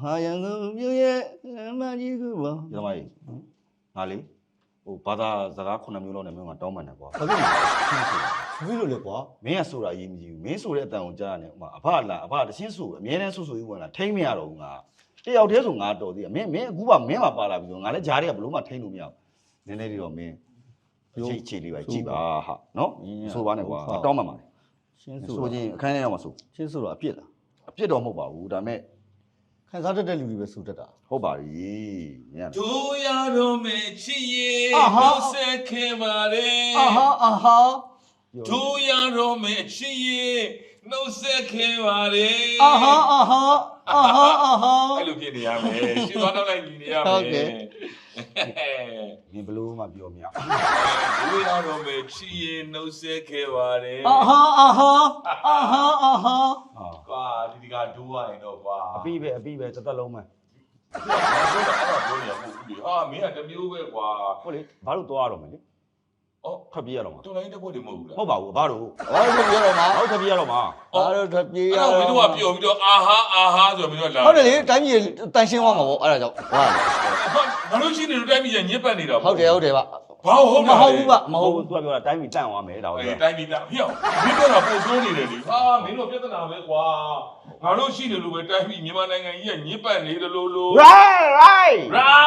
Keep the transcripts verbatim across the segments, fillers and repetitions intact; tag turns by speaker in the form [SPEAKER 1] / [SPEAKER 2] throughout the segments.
[SPEAKER 1] ဟာရန်ကုန်မြို့ရဲ့မကြီးကူပေါ့ဒီမှာကြီးငါလေဟိုဘာသာစကားခုနှစ်မျိုးလောက်နဲ့မင်းကတောင်းပန်တယ်ကွာဟုတ်ကဲ့ရှင်းဆိုဘယ်လိုလဲကွာမင်းကဆိုတာအရေးမကြီးဘူးမင်းဆိုတဲ့အတန်ကိုကြားရတယ်ဥမာအဖလာအဖတရှင်းဆိုအမြဲတမ်းဆိုဆိုကြီးဝင်လာထိမ့်မရတော့ဘူးငါတယောက်တည်းဆိုငါတော်သေးတယ်မင်းမင်းအခုကမင်းမှာပါလာပြီဆိုငါလည်းဂျားတွေကဘလို့မှထိမ့်လို့မရဘူးနည်းနည်းလေးတော့မင်းချိတ်ချိတ်လေးပဲကြည့်ပါဟာနော်ဆိုပါနဲ့ကွာတောင်းပန်ပါလေရှင်းဆိုဆိုချင်းအခန်းထဲရောက်မှာဆိုရှင်းဆိုတော့အပြစ်လားအပြစ်တော့မဟုတ်ပါဘူးဒါမဲ့ခံစားတတ်တဲ့လူတွေပဲဆိုတတ်တာဟုတ်ပါပြီညံ့
[SPEAKER 2] တို့ရတော့မယ်ချစ်ရဲ့နှုတ်ဆက်ခဲ့ပါလေ
[SPEAKER 1] အာဟာအာဟာ
[SPEAKER 2] တို့ရတော့မယ်ချစ်ရဲ့နှုတ်ဆက်ခဲ့ပါလေ
[SPEAKER 1] အာဟာအာဟာအာဟာအာဟာ
[SPEAKER 2] အဲ့လိုဖြစ်နေရမယ်ရှင်းသွားတော့လိုက်ညီနေရမယ်ဟုတ်ကဲ့
[SPEAKER 1] မင်းဘလို့မှပြောမရ
[SPEAKER 2] တို့ရတော့မယ်ချစ်ရဲ့နှုတ်ဆက်ခဲ့ပါလေ
[SPEAKER 1] အာဟာအာဟာအာဟာအာဟာ
[SPEAKER 2] ကွာဒီဒီကဒိုးရရင်တော့ကွာ
[SPEAKER 1] အပြီးပဲအပြီးပဲတစ်သက်လုံးပဲ
[SPEAKER 2] ပြောတာအဲ့ဒါပြောနေရမဟုတ်ဘူးဟာမင်းကတမျိုးပဲကွာ
[SPEAKER 1] ဟုတ်လေဘာလို့သွားရတော့မလဲ
[SPEAKER 2] အော်
[SPEAKER 1] ဖတ်ပြေးရတော့မှာ
[SPEAKER 2] တော်လိုင်းတက်ဖို့တည်းမဟုတ်ဘူးလား
[SPEAKER 1] ဟုတ်ပါဘူးဘာလို့ဘာလို့ဖတ်ပြေးရတော့မှာဟုတ်ဖတ်ပြေးရတော့မှာဘာလို့ဖတ်ပြေးရ
[SPEAKER 2] တော့မင်းတို့ကပြောပြီးတော့အာဟာအာဟာဆိုပြီးတော့လာ
[SPEAKER 1] ဟုတ်တယ်လေတိုင်းပြည်တန်ရှင်းသွားမှာပေါ့အဲ့ဒါကြောင့်ဟုတ်
[SPEAKER 2] ဘာလို့ရှိနေလို့တိုင်းပြည်ညစ်ပတ်နေတာ
[SPEAKER 1] ဟုတ်တယ်ဟုတ်တယ်ဗျ
[SPEAKER 2] ဘာဟုတ်
[SPEAKER 1] မဟုတ်ဘူးဗျမဟုတ်ဘူးသူကပြောတာတိုင်းပြည်တန့်သွားမယ်ဒါဟုတ်
[SPEAKER 2] တယ်တိုင်းပြည်တန့်ဟေ့မင်းတို့ကပို့ဆိုးနေတယ်လေဟာမင်းတို့ပြဿနာပဲကွာငါတို့ရှိနေလို့ပဲတိုင်းပြည်မြန်မာနိုင်ငံကြီးကညစ်ပတ်နေတယ်လို့လို့
[SPEAKER 1] right right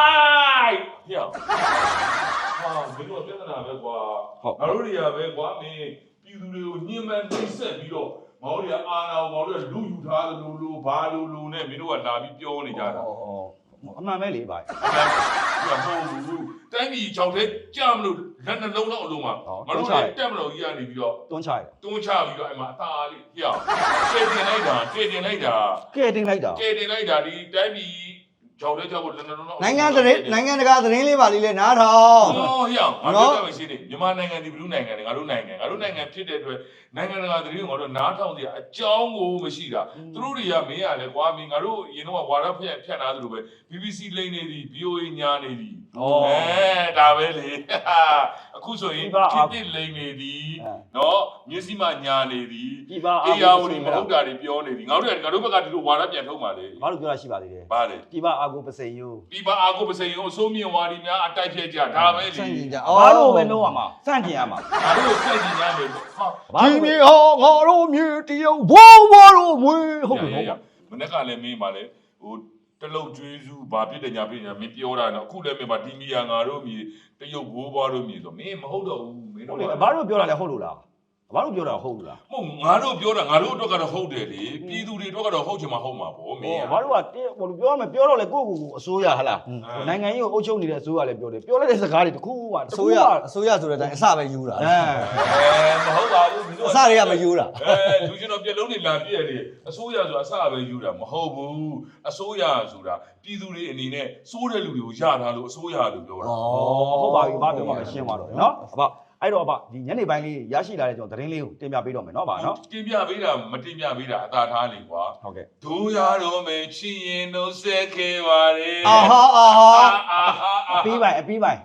[SPEAKER 2] right ဟေ့ဟာမင်းတို့ပြဿနာပဲကွာငါတို့တွေကပဲကွာမင်းပြည်သူတွေကိုညှဉ်းပန်းနှိပ်စက်ပြီးတော့ငါတို့တွေကအာဏာကိုငါတို့ကလူယူထားတယ်လို့လို့ဘာလို့လို့နဲ့မင်းတို့ကလာပြီးပြောနေကြတာ
[SPEAKER 1] အမှန်ပဲလေဗျာ
[SPEAKER 2] ဟိုဘူးတိုင်းပြည်ချောင်းထဲကြာမလို့လက်နှလုံးလောက်အလုံးမှာငါတို့တက်မလို့ကြီးရနေပြီးတော့
[SPEAKER 1] တွန်းချရတယ်
[SPEAKER 2] တွန်းချပြီးတော့အဲ့မှာအသာလေးဟေ့ကဲတင်လိုက်တာကဲတင်လိုက်တာ
[SPEAKER 1] ကဲတင်လိုက်တာ
[SPEAKER 2] ကဲတင်လိုက်တာဒီတိုင်းပြည်ချောင်းထဲကြောက်ဖို့လက်နှလုံးလောက်
[SPEAKER 1] နိုင်ငံသတင်းနိုင်ငံတကာသတင်းလေးပါလေးလဲနားထောင်
[SPEAKER 2] ဟောဟေ့ငါတို့ကမရှိနေမြန်မာနိုင်ငံဒီဘလူးနိုင်ငံတွေငါတို့နိုင်ငံငါတို့နိုင်ငံဖြစ်တဲ့အတွက်နိုင်ငံတကာသတင်းကိုငါတို့နားထောင်စရာအကြောင်းကိုမရှိတာသူတို့တွေကမင်းရလဲကွာမင်းငါတို့ရင်တော့ဝါရဖျက်ဖြတ်လာသလိုပဲ B B C လိမ့်နေသည် V O A ညာနေသည်အဲဒါပဲလေအခုဆိုရင်ခေတ်လိမ့်နေသည်နော်မျက်စိမှညာနေသည်အေယာဝတီမဟုတ်တာတွေပြောနေသည်ငါတို့ကငါတို့ဘက်ကဒီလိုဝါရပြန်ထုတ်ပါလေ
[SPEAKER 1] ဘာလို့ပြောတာရှိပါသေးတယ်
[SPEAKER 2] ဘာလဲ
[SPEAKER 1] ဒီပါအာကိုပစိန်ယို
[SPEAKER 2] ဒီပါအာကိုပစိန်ယိုအစိုးမြင့်ဝါဒီများအတိုက်ဖြတ်ကြဒါပဲလေ
[SPEAKER 1] စန့်ကျင်ကြဘာလို့ပဲလုံးရမှာစန့်ကျင်ရမှာ
[SPEAKER 2] ငါတို့စန့်ကျင်ကြမယ်ဟာ
[SPEAKER 1] ဒီမြေဟောငါတို့မြေတရုတ်ဘိုးဘိုးတို့မွေးဟုတ်ပြီဟုတ်
[SPEAKER 2] မနေ့ကလည်းမင်းပါလေဟိုတလုတ်ကျွေးစုဘာဖြစ်တယ်ညာဖြစ်ညာမင်းပြောတာနော်အခုလည်းမင်းပါဒီမီယာငါတို့မြေတရုတ်ဘိုးဘွားတို့မြေဆိုမင်းမဟုတ်တော့ဘူးမင်းတို့
[SPEAKER 1] ဘာလို့ပြောတာလဲဟုတ်လို့လားဘာလို့ပြောတာဟုတ်လား
[SPEAKER 2] မဟုတ်ငါတို့ပြောတာငါတို့အတွက်ကတော့ဟုတ်တယ်လေပြည်သူတွေအတွက်ကတော့ဟုတ်ချင်မှဟုတ်မှာပေါ့မင်း
[SPEAKER 1] ဘာလို့ကဟိုပြောမယ်ပြောတော့လေကိုယ့်ကိုယ်ကိုအစိုးရဟလားနိုင်ငံကြီးကိုအုပ်ချုပ်နေတဲ့အစိုးရလည်းပြောတယ်ပြောလိုက်တဲ့စကားတွေတခုမှအစိုးရအစိုးရဆိုတဲ့အတိုင်းအစပဲယူတာအဲ
[SPEAKER 2] မဟုတ်ပါဘူး
[SPEAKER 1] အစတွေကမယူတာ
[SPEAKER 2] အဲလူချင်းတော့ပြလုံးနေလာပြည့်တယ်အစိုးရဆိုတာအစပဲယူတာမဟုတ်ဘူးအစိုးရဆိုတာပြည်သူတွေအနေနဲ့စိုးတဲ့လူတွေကိုရထားလို့အစိုးရလို့ပြောတာ
[SPEAKER 1] ဩဟုတ်ပါပြီဘာပြောမှမရှင်းပါတော့နော်အဘအဲ့တော့အဘဒီညနေပိုင်းလေးရရှိလာတဲ့ကျွန်တော်သတင်းလေးကိုတင်ပြပေးတော့မယ်နော်ဗျာနော်
[SPEAKER 2] တင်ပြပေးတာမတင်ပြပေးတာအသာထားလေကွာ
[SPEAKER 1] ဟုတ်ကဲ့
[SPEAKER 2] ဒိုးရတော့မယ်ချီရင်နှုတ်ဆက်ခဲ့ပါလေ
[SPEAKER 1] အာဟာအာဟာအပီးပိုင်အပီးပိုင်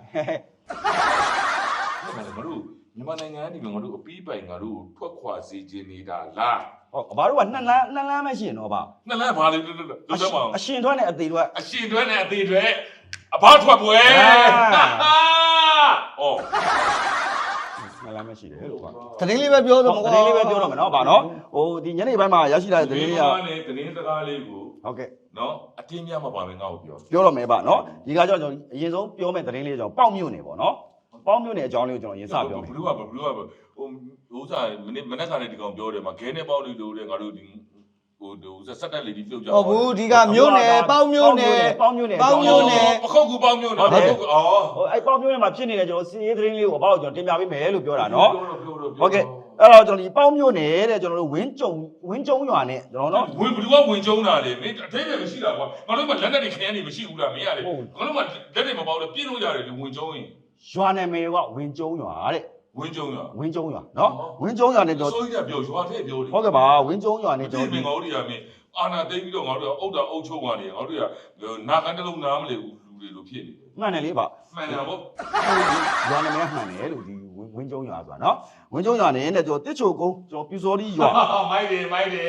[SPEAKER 2] ငါတို့မြန်မာနိုင်ငံကနေငါတို့အပီးပိုင်ငါတို့ထွက်ခွာစေခြင်းနေတာလား
[SPEAKER 1] ဟောအဘတို့ကနှစ်လမ်းနှစ်လမ်းပဲရှိရင်တော့ဗျာ
[SPEAKER 2] နှစ်လမ်းဘာလဲလို့လို့ပြောမအောင်
[SPEAKER 1] အရှင်ထွက်နဲ့အသေးထွက်
[SPEAKER 2] အရှင်ထွက်နဲ့အသေးထွက်အဘထွက်ပွဲဩ
[SPEAKER 1] လာမရှိတယ်လို့ကွာသတင်းလေးပဲပြောတော့သတင်းလေးပဲပြောတော့မယ်နော်ဗာနော်ဟိုဒီညနေပိုင်းမှာရရှိလာတဲ့သတင်းလေးက
[SPEAKER 2] သတင်းစကားလေးကို
[SPEAKER 1] ဟုတ်ကဲ့
[SPEAKER 2] နော်အတင်းများမှာပါမယ်ငါ့ကိုပြော
[SPEAKER 1] ပြောတော့မယ်ဗာနော်ဒီကကြောင့်ကျွန်တော်အရင်ဆုံးပြောမယ့်သတင်းလေးကြောင့်ပေါက်မြို့နေပေါ့နော်ပေါက်မြို့နေအကြောင်းလေးကိုကျွန်တော်ရင်စပြောမယ်
[SPEAKER 2] ဘလူးကဘလူးကဟိုဥစားမနေ့မနေ့ကလည်းဒီကောင်ပြောတယ်မှာခဲနဲ့ပေါက်လေးလို့တဲ့ငါတို့ဒီဟိုဟိုစက်တက်လေးဒီပြုတ်ကြ
[SPEAKER 1] ဟုတ်ဘူးဒီကမြို့နယ်ပေါက်မြို့နယ်ပေါက်မြို့နယ်ပေါက်မြို့နယ်
[SPEAKER 2] ပခုတ်ကူပေါက်မြို့နယ်ဟုတ်
[SPEAKER 1] ကဲ့အော်ဟိုအဲ့ပေါက်မြို့နယ်မှာဖြစ်နေတဲ့ကျွန်တော်စီးရေးသတင်းလေးကိုအဘောက်ကျွန်တော်တင်ပြပေးမယ်လို့ပြောတာနော်ဟုတ်ကဲ့အဲ့တော့ကျွန်တော်ဒီပေါက်မြို့နယ်တဲ့ကျွန်တော်တို့ဝင်းကြုံဝင်းကြုံရွာနဲ့ကျွန်တော်နော်
[SPEAKER 2] ဝင်းဘယ်သူကဝင်းကြုံတာလေမင်းအထိပ္ပယ်မရှိတာကွာငါတို့ကလက်နဲ့တွေခရမ်းနေမရှိဘူးလားမင်းရလေငါတို့ကလက်တွေမပေါက်လို့ပြင်းလို့ရတယ်ဒီဝင်းကြုံရင်
[SPEAKER 1] ရွာနာမည်ကဝင်းကြုံရွာတဲ့
[SPEAKER 2] ဝင်းကျုံရွာ
[SPEAKER 1] ဝင်းကျုံရွာနော်ဝင်းကျုံရွာနဲ့တော့
[SPEAKER 2] ဆိုရပြောရွာထဲပြောတယ်
[SPEAKER 1] ဟုတ်ကဲ့ပါဝင်းကျုံရွာနဲ့ကျွန်
[SPEAKER 2] တော်ဒီငေါတွေကမင်းအာနာသိပြီးတော့ငါတို့ကအုတ်တာအုတ်ချုပ်ကနေငါတို့ကနာကန်တလုံးနားမလဲဘူးလူတွေလိုဖြစ်နေတယ်
[SPEAKER 1] မှန်တယ်လေပါ
[SPEAKER 2] မှန်တယ်ဗော
[SPEAKER 1] ရွာနာမည်မှန်တယ်လို့ဒီဝင်းကျုံရွာဆိုတာနော်ဝင်းကျုံရွာနဲ့တဲ့ကျွန်တော်တစ်ချိုကုန်းကျွန်တော်ပြူစောဒီရွာ
[SPEAKER 2] မိုက်တယ်မိုက်တယ်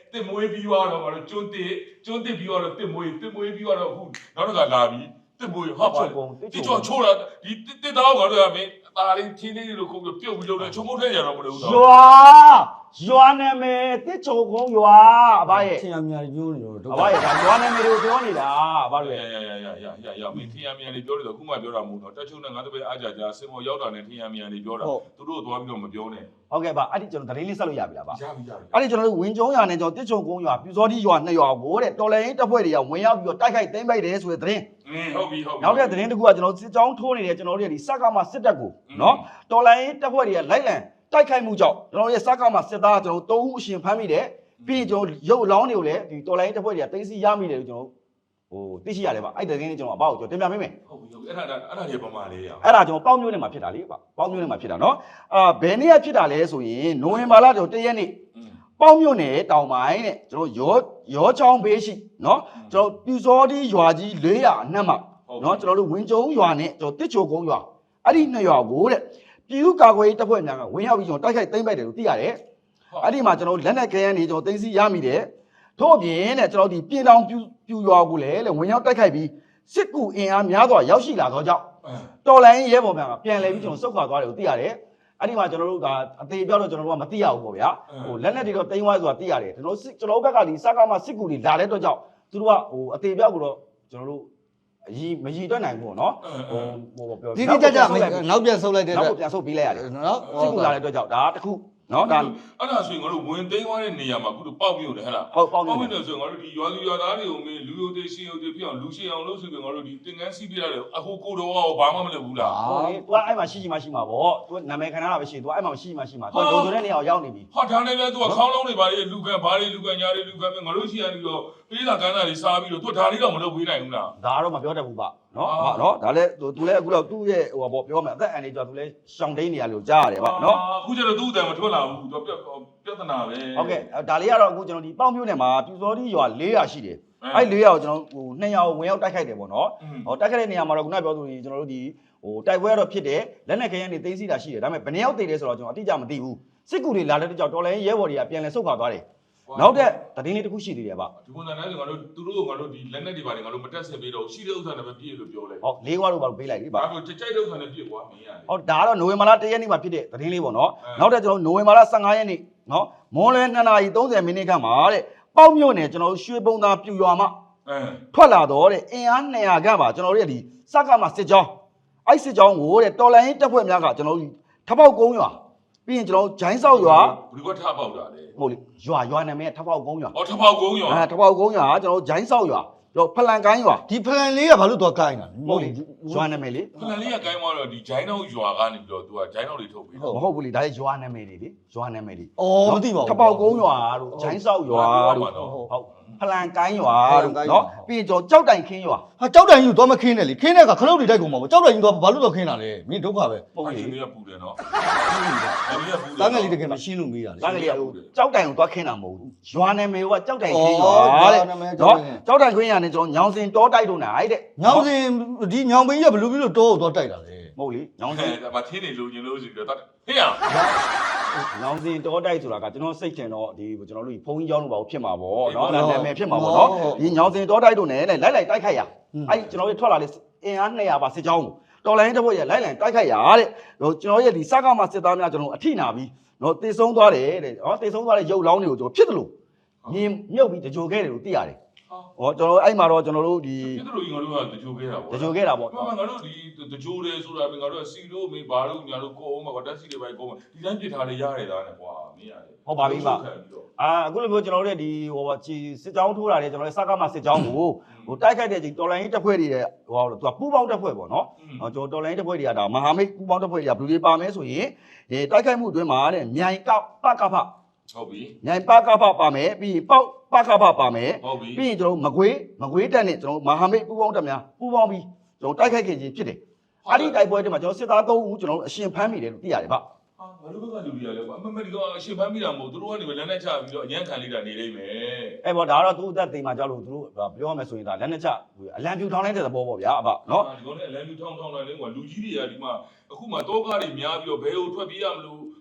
[SPEAKER 2] တစ်မွေးပြီးတော့ငါတို့ကျွန်းတစ်ကျွန်းတစ်ပြီးတော့တစ်မွေးတစ်မွေးပြီးတော့အခုနောက်တစ်ခါလာပြီးတစ်မွေးဟာပါဒီချောချိုးတာဒီတစ်တောင်းငါတို့ကမင်းตาလေးချင်းလေးလို့ခုပြုတ်ပြီးလုပ်တယ်ချုံမုတ်ထဲရတော့မလို့ဘူး
[SPEAKER 1] ရွာရွာနာမည်တစ်ချုံကုန်းရွာအဘရဲ့
[SPEAKER 3] ထင်ရမြာညိုးနေတော့
[SPEAKER 1] အဘရဲ့ဒါရွာနာမည်ကိုပြောနေတာအဘ
[SPEAKER 2] ရ
[SPEAKER 1] တို့
[SPEAKER 2] ရရရရရရမင်းထင်ရမြန်လေးပြောတယ်ခုမှပြောတာမဟုတ်တော့တက်ချုံနဲ့ငါတို့ပဲအားကြကြစင်မောရောက်တာနဲ့ထင်ရမြန်လေးပြောတာသူတို့သွားပြီးတော့မပြောနဲ့
[SPEAKER 1] ဟုတ်ကဲ့ပါအဲ့ဒီကျွန်တော်သတင်းလေးဆက်လို့ရပြီလားဗျ
[SPEAKER 2] ရပြီရပြီ
[SPEAKER 1] အဲ့ဒီကျွန်တော်တို့ဝင်းကျုံးရွာနဲ့ကျွန်တော်တစ်ချုံကုန်းရွာပြူစောတိရွာနှစ်ရွာကိုတဲ့တော်လိုင်းတပ်ဖွဲ့တွေကဝင်ရောက်ပြီးတော့တိုက်ခိုက်သိမ်းပိုက်တယ်ဆိုတဲ့သတင်း
[SPEAKER 2] အင်းဟုတ်ပြီဟုတ်ပြီ
[SPEAKER 1] နောက်တဲ့သတင်းတစ်ခုကကျွန်တော်စစ်ကြောင်းထိုးနေတဲ့ကျွန်တော်တို့ရဲ့ဒီစကားမှာစစ်တပ်ကိုနော်တော်လိုင်းတပ်ဖွဲ့တွေကလိုက်လံတိုက်ခိုက်မှုကြောင့်ကျွန်တော်တို့ရဲ့စကားမှာစစ်သားကျွန်တော်တို့သုံးဦးအရှင်ဖမ်းမိတယ်ပြီးရင်ကျွန်တော်ရုပ်အလောင်းတွေကိုလည်းဒီတော်လိုင်းတပ်ဖွဲ့တွေကသိမ်းဆည်းရမိတယ်လို့ကျွန်တော်ဟိုသိရှိရတယ်ဗျအဲ့ဒီသတင်းလေးကျွန်တော်အပေါ့ကိုကျွန်တော်တင်ပြပေးမယ်
[SPEAKER 2] ဟုတ်ပြီဟုတ်ပြီအဲ့ဒါအဲ့ဒါတွေပမာလေးရ
[SPEAKER 1] အဲ့ဒါကျွန်တော်ပေါက်မျိုးနဲ့မှာဖြစ်တာလေဗျပေါက်မျိုးနဲ့မှာဖြစ်တာနော်အာဘယ်နေ့ကဖြစ်တာလဲဆိုရင်နိုဝင်ဘာလကျွန်တော်တရက်နေ့ပေါက်မျိုးနဲ့တောင်ပိုင်းတဲ့ကျွန်တော်ရောရောချောင်းဘေးရှိနော်ကျွန်တော်ပြူစောတိရွာကြီး၄၀၀အနှက်မှာနော်ကျွန်တော်တို့ဝင်းကျုံရွာနဲ့ကျွန်တော်တစ်ချိုကုန်းရွာအဲ့ဒီနှစ်ရွာကိုတဲ့ပြည်သူ့ကာကွယ်ရေးတပ်ဖွဲ့များကဝင်ရောက်ပြီးကျွန်တော်တိုက်ခိုက်သိမ်းပိုက်တယ်လို့သိရတယ်အဲ့ဒီမှာကျွန်တော်လက်နက်ခဲယမ်းတွေကျွန်တော်သိမ်းဆည်းရမိတယ်ထို့အပြင်တဲ့ကျွန်တော်ဒီပြည်တော်ပြူပြူရွာကိုလည်းဝင်ရောက်တိုက်ခိုက်ပြီးစစ်ကူအင်အားများစွာရောက်ရှိလာသောကြောင့်တော်လိုင်းရဲဘော်များကပြန်လဲပြီးကျွန်တော်စုတ်ခွာသွားတယ်လို့သိရတယ်အဲ့ဒီမှာကျွန်တော်တို့ကအသေးပြောတော့ကျွန်တော်တို့ကမသိရဘူးပေါ့ဗျာဟိုလက်နက်တွေတော့တိမ်းဝိုင်းဆိုတာသိရတယ်ကျွန်တော်တို့ကျွန်တော်တို့ဘက်ကဒီစကားမှာစစ်ကူတွေလာတဲ့အတွက်ကြောင့်သူတို့ကဟိုအသေးပြောကိုတော့ကျွန်တော်တို့အကြီးမကြီးတွက်နိုင်ဘူးပေါ့နော်ဟိုဟိုပြော
[SPEAKER 3] ဒီဒီကြကြနောက်ပြန်ဆုပ်လိုက်တဲ့
[SPEAKER 1] နောက်ပြန်ဆုတ်ပေးလိုက်ရတယ်
[SPEAKER 3] နော်
[SPEAKER 1] စစ်ကူလာတဲ့အတွက်ကြောင့်ဒါတစ်ခုနော်ဒါ
[SPEAKER 2] အဲ့ဒါဆိုရင်ငါတို့ဝင်သိမ်းသွားတဲ့နေရာမှာခုတို့ပေါက်မြို့တယ်ဟဲ့လား
[SPEAKER 1] ဟုတ်ပေါက်
[SPEAKER 2] ပေါက်
[SPEAKER 1] နေ
[SPEAKER 2] မြို့တယ်ဆိုရင်ငါတို့ဒီရွာလူရွာသားတွေကိုမင်းလူယိုသေးရှင်းယိုသေးဖြစ်အောင်လူရှင်းအောင်လုပ်ဆိုပြီးငါတို့ဒီတင်ကန်းစီးပြရတယ်အခုကိုတော်ကဘာမှမလုပ်ဘူးလား
[SPEAKER 1] ဟိုလေ तू အဲ့မှာရှိရှိမှရှိမှာပေါ့ तू နာမည်ခံရတာပဲရှိ तू အဲ့မှာရှိမှရှိမှာ तू လုံခြုံတဲ့နေရာကိုရောက်နေပြီ
[SPEAKER 2] ဟာဒါနဲ့ပဲ तू ခေါင်းလုံးတွေဘာတွေလူကန်ဘာတွေလူကန်ညာတွေလူကန်ငါတို့ရှိရပြီးတော့ပေးတာကန်းတာတွေစားပြီးတော့ तू ဒါလေးတော့မလုပ်ပေးနိုင်ဘူးလား
[SPEAKER 1] ဒါကတော့မပြောတတ်ဘူးပါနော်ဟာနော်ဒါလည်း तू तू လည်းအခုတော့သူ့ရဲ့ဟိုပေါ့ပြောမယ်အသက်အန္တရာယ်ကြောင့် तू လည်းရှောင်တိန်နေရလို့ကြားရတယ်ပါနော်
[SPEAKER 2] အခုကျတော့သူ့အတန်မထွက်လာဘူး तू ပြပြဿနာပဲ
[SPEAKER 1] ဟုတ်ကဲ့ဒါလေးကတော့အခုကျွန်တော်ဒီပေါင်မျိုးနယ်မှာပြူစောတိရွာ၄ရာရှိတယ်အဲ့၄ရာကိုကျွန်တော်ဟိုနှစ်ရာကိုဝင်ရောက်တိုက်ခိုက်တယ်ပေါ့နော်ဟောတိုက်ခိုက်တဲ့နေရာမှာတော့ခုနပြောသူကျွန်တော်တို့ဒီဟိုတိုက်ပွဲတော့ဖြစ်တယ်လက်နက်ခဲယမ်းတွေသိမ်းဆည်းတာရှိတယ်ဒါပေမဲ့ဘယ်နှယောက်တည်လဲဆိုတော့ကျွန်တော်အတိအကျမသိဘူးစစ်ကူတွေလာတဲ့ကြောင့်တော်လိုင်းရဲဘော်တွေကပြန်လဲဆုတ်ခွာသွားတယ်နောက်တဲ့သတင်းလေးတစ်ခုရှိသေးတယ်ဗျ
[SPEAKER 2] ဒီပုံစံနဲ့ငါတို့သူတို့ငါတို့ဒီလက်နက်တွေပါလေငါတို့မတက်ဆက်ပေးတော့ရှိတဲ့ဥစ္စာနဲ့ပဲပြည့်လို့ပြောလိုက်
[SPEAKER 1] ဟုတ်လေးခွားလို့ပါပေးလိုက်ပြီဗျ
[SPEAKER 2] ဘာလို့ကြိုက်တဲ့ဥစ္စာနဲ့ပြည့်ကွာမင်းရတယ်
[SPEAKER 1] ဟုတ်ဒါကတော့နိုဝင်ဘာလ၁ရက်နေ့မှာဖြစ်တဲ့သတင်းလေးပေါ့နော်နောက်တဲ့ကျွန်တော်နိုဝင်ဘာလ၁၅ရက်နေ့နော်မွန်လွယ်နှစ်နာရီ၃၀မိနစ်ခန့်မှာတဲ့ပေါက်မြို့နယ်ကျွန်တော်တို့ရွှေပုံသားပြူရွာမှာ
[SPEAKER 2] အဲ
[SPEAKER 1] ထွက်လာတော့တဲ့အင်အား၂၀၀ခန့်ပါကျွန်တော်တို့ရဲ့ဒီစက္ကမစစ်ကြောင်းအဲ့စစ်ကြောင်းကိုတဲ့တော်လိုင်းတပ်ဖွဲ့များကကျွန်တော်တို့ထပေါက်ကုန်းရွာပြီးရင်ကျွန်တော်ဂျိုင်းဆောက်ရွာ
[SPEAKER 2] ဘယ်ကထားပေါက်တာလဲ
[SPEAKER 1] ဟုတ်လေရွာရွာနာမည်ထပေါက်ကုန်းရွာ
[SPEAKER 2] အော်ထပေါက်ကုန်းရော
[SPEAKER 1] အဲထပေါက်ကုန်းရွာကျွန်တော်ဂျိုင်းဆောက်ရွာကျွန်တော်ဖလန်ကိုင်းရွာ
[SPEAKER 3] ဒီဖလန်လေးကဘာလို့တော့ကိုင်းတာ
[SPEAKER 1] ဟုတ်လေရွာနာမည်လေ
[SPEAKER 2] ဖလန်လေးကကိုင်းသွားတော့ဒီဂျိုင်းတော့ရွာကနေပြီးတော့ तू ကဂျိုင်းတော့တွေထုတ်ပြီး
[SPEAKER 1] မဟုတ်ဘူးလေဒါလည်းရွာနာမည်တွေလေရွာနာမည်တွေ
[SPEAKER 3] အော်မသိပါဘူး
[SPEAKER 1] ထပေါက်ကုန်းရွာတို့ဂျိုင်းဆောက်ရွာတို့ဟုတ်ဖလန်ကိုင်းရွာတို့နော်ပြီးရင်ကျွန်တော်ကြောက်တိုင်ခင်းရွာ
[SPEAKER 3] ဟာကြောက်တိုင်ကြီးတော့မခင်းနဲ့လေခင်းတဲ့ကခလုတ်တွေတိုက်ကုန်မှာပေါ့ကြောက်တိုင်ကြီးတော့ဘာလို့တော့ခင်းတာလဲမင်းဒုက္ခပဲ
[SPEAKER 1] ဟုတ်လေ
[SPEAKER 2] ဒီနေ့ကပူတယ်နော်
[SPEAKER 3] တန်းငယ်လေးတကယ်မရှင်းလို့မေးတာလေ
[SPEAKER 1] ဒါကလေးကကြောက်တိုင်ကိုသွားခင်းတာမဟုတ်ဘူးရွာနာမည်ကကြောက်တိုင်ခင်းရွာတဲ့
[SPEAKER 3] နာမည်
[SPEAKER 1] နော်ကြောက်တိုင်ခင်းရွာနဲ့ကျွန်တော်ညောင်စင်တောတိုက်တို့နိုင်တဲ့
[SPEAKER 3] ညောင်စင်ဒီညောင်ပင်ကြီးကဘလို့ပြီးလို့တောကိုတော့တိုက်တာလေ
[SPEAKER 1] မဟုတ်လေညောင်စင်
[SPEAKER 2] ဒါမှထင်းနေလို့ညင်လို့ဆိုပြီးတော့ဟေးရ
[SPEAKER 1] ညောင်စင်တောတိုက်ဆိုတာကကျွန်တော်စိတ်ထင်တော့ဒီကျွန်တော်တို့ဘုံကြီးကျောင်းတို့ဘာလို့ဖြစ်မှာပေါ့နော်ဒါနာမည်ဖြစ်မှာပေါ့နော်ဒီညောင်စင်တောတိုက်တို့နဲ့လိုက်လိုက်တိုက်ခိုက်ရအဲ့ကျွန်တော်တို့ထွက်လာတဲ့အင်အား၂၀၀ပါစစ်ကြောင်းကိုတော်လိုင်းတစ်ဖွဲ့ရလိုက်လိုက်တိုက်ခိုက်ရတဲ့ကျွန်တော်ရဲ့ဒီစကားမှာစစ်သားများကျွန်တော်အထိနာပြီးနော်တေဆုံးသွားတယ်တဲ့ဟောတေဆုံးသွားတဲ့ရုပ်လောင်းတွေကိုကျွန်တော်ဖြစ်တယ်လို့မြင်မြုပ်ပြီးတကြိုခဲ့တယ်လို့သိရတယ်ဟောကျွန်တော်အဲ့မှာတော့ကျွန်တော်တို့ဒီ
[SPEAKER 2] ဖြစ်တယ်လို့ငါတို့ကတကြိုခဲ့တာပေါ့
[SPEAKER 1] တကြိုခဲ့တာပေါ့
[SPEAKER 2] ဘာမှငါတို့ဒီတကြိုတယ်ဆိုတာငါတို့ကစီလို့မေးဘာလို့ညာလို့ကိုအောင်မှာတက်စီတွေပဲကိုအောင်ဒီတိုင်းပြစ်ထားလေရတယ်ဒါနဲ့ကွာမင်းရတယ်
[SPEAKER 1] ဟုတ်ပါပြီပါအာအခုလိုမျိုးကျွန်တော်တို့ဒီဟိုချီစစ်ကြောင်းထိုးတာလေကျွန်တော်တို့စကားမှာစစ်ကြောင်းကိုဟိုတိုက်ခိုက်တဲ့ချိန်တော်လိုင်းတပ်ဖွဲ့တွေရဲ့ဟိုသူကပူးပေါင်းတပ်ဖွဲ့ပေါ့နော်ကျွန်တော်တော်လိုင်းတပ်ဖွဲ့တွေကဒါမဟာမိတ်ပူးပေါင်းတပ်ဖွဲ့တွေကဘယ်လိုတွေပါမဲဆိုရင်ဒီတိုက်ခိုက်မှုအတွင်းမှာတဲ့မြိုင်ကပကဖ
[SPEAKER 2] ဟုတ်ပြီ
[SPEAKER 1] မြိုင်ပကဖပါမယ်ပြီးရင်ပေါက်ပကဖပါမယ်
[SPEAKER 2] ဟုတ်ပြီ
[SPEAKER 1] ပြီးရင်ကျွန်တော်မကွေးမကွေးတက်နဲ့ကျွန်တော်မဟာမိတ်ပူးပေါင်းတပ်များပူးပေါင်းပြီးကျွန်တော်တိုက်ခိုက်ခဲ့ခြင်းဖြစ်တယ်အဲ့ဒီတိုက်ပွဲတွေမှာကျွန်တော်စစ်သား၃ဦးကျွန်တော်အရှင်ဖမ်းမိတယ်လို့သိရတယ်ဗျ
[SPEAKER 2] ဟာငါတို့ဘက်ကလူတွေကလည်းကွာအမမဒီကအရှင်ဖမ်းမိတာမဟုတ်သူတို့ကနေပဲလက်နဲ့ချပြီးတော့အញ្ញံခံလိုက်တာနေလိမ့်မယ်
[SPEAKER 1] အဲ့ပေါ့ဒါကတော့သူ့အသက်သိမ်းမှာကြောက်လို့သူတို့ပြောရမယ်ဆိုရင်ဒါလက်နဲ့ချအလံပြူထောင်းလိုက်တဲ့သဘောပေါ့ဗျာအဖနော်
[SPEAKER 2] ဒီကောင်နဲ့အလံလူထောင်းထောင်းလိုက်လေကွာလူကြီးတွေကဒီမှာအခုမှတောကားတွေများပြီးတော့ဘယ်လိုထွက်ပြေးရမလို့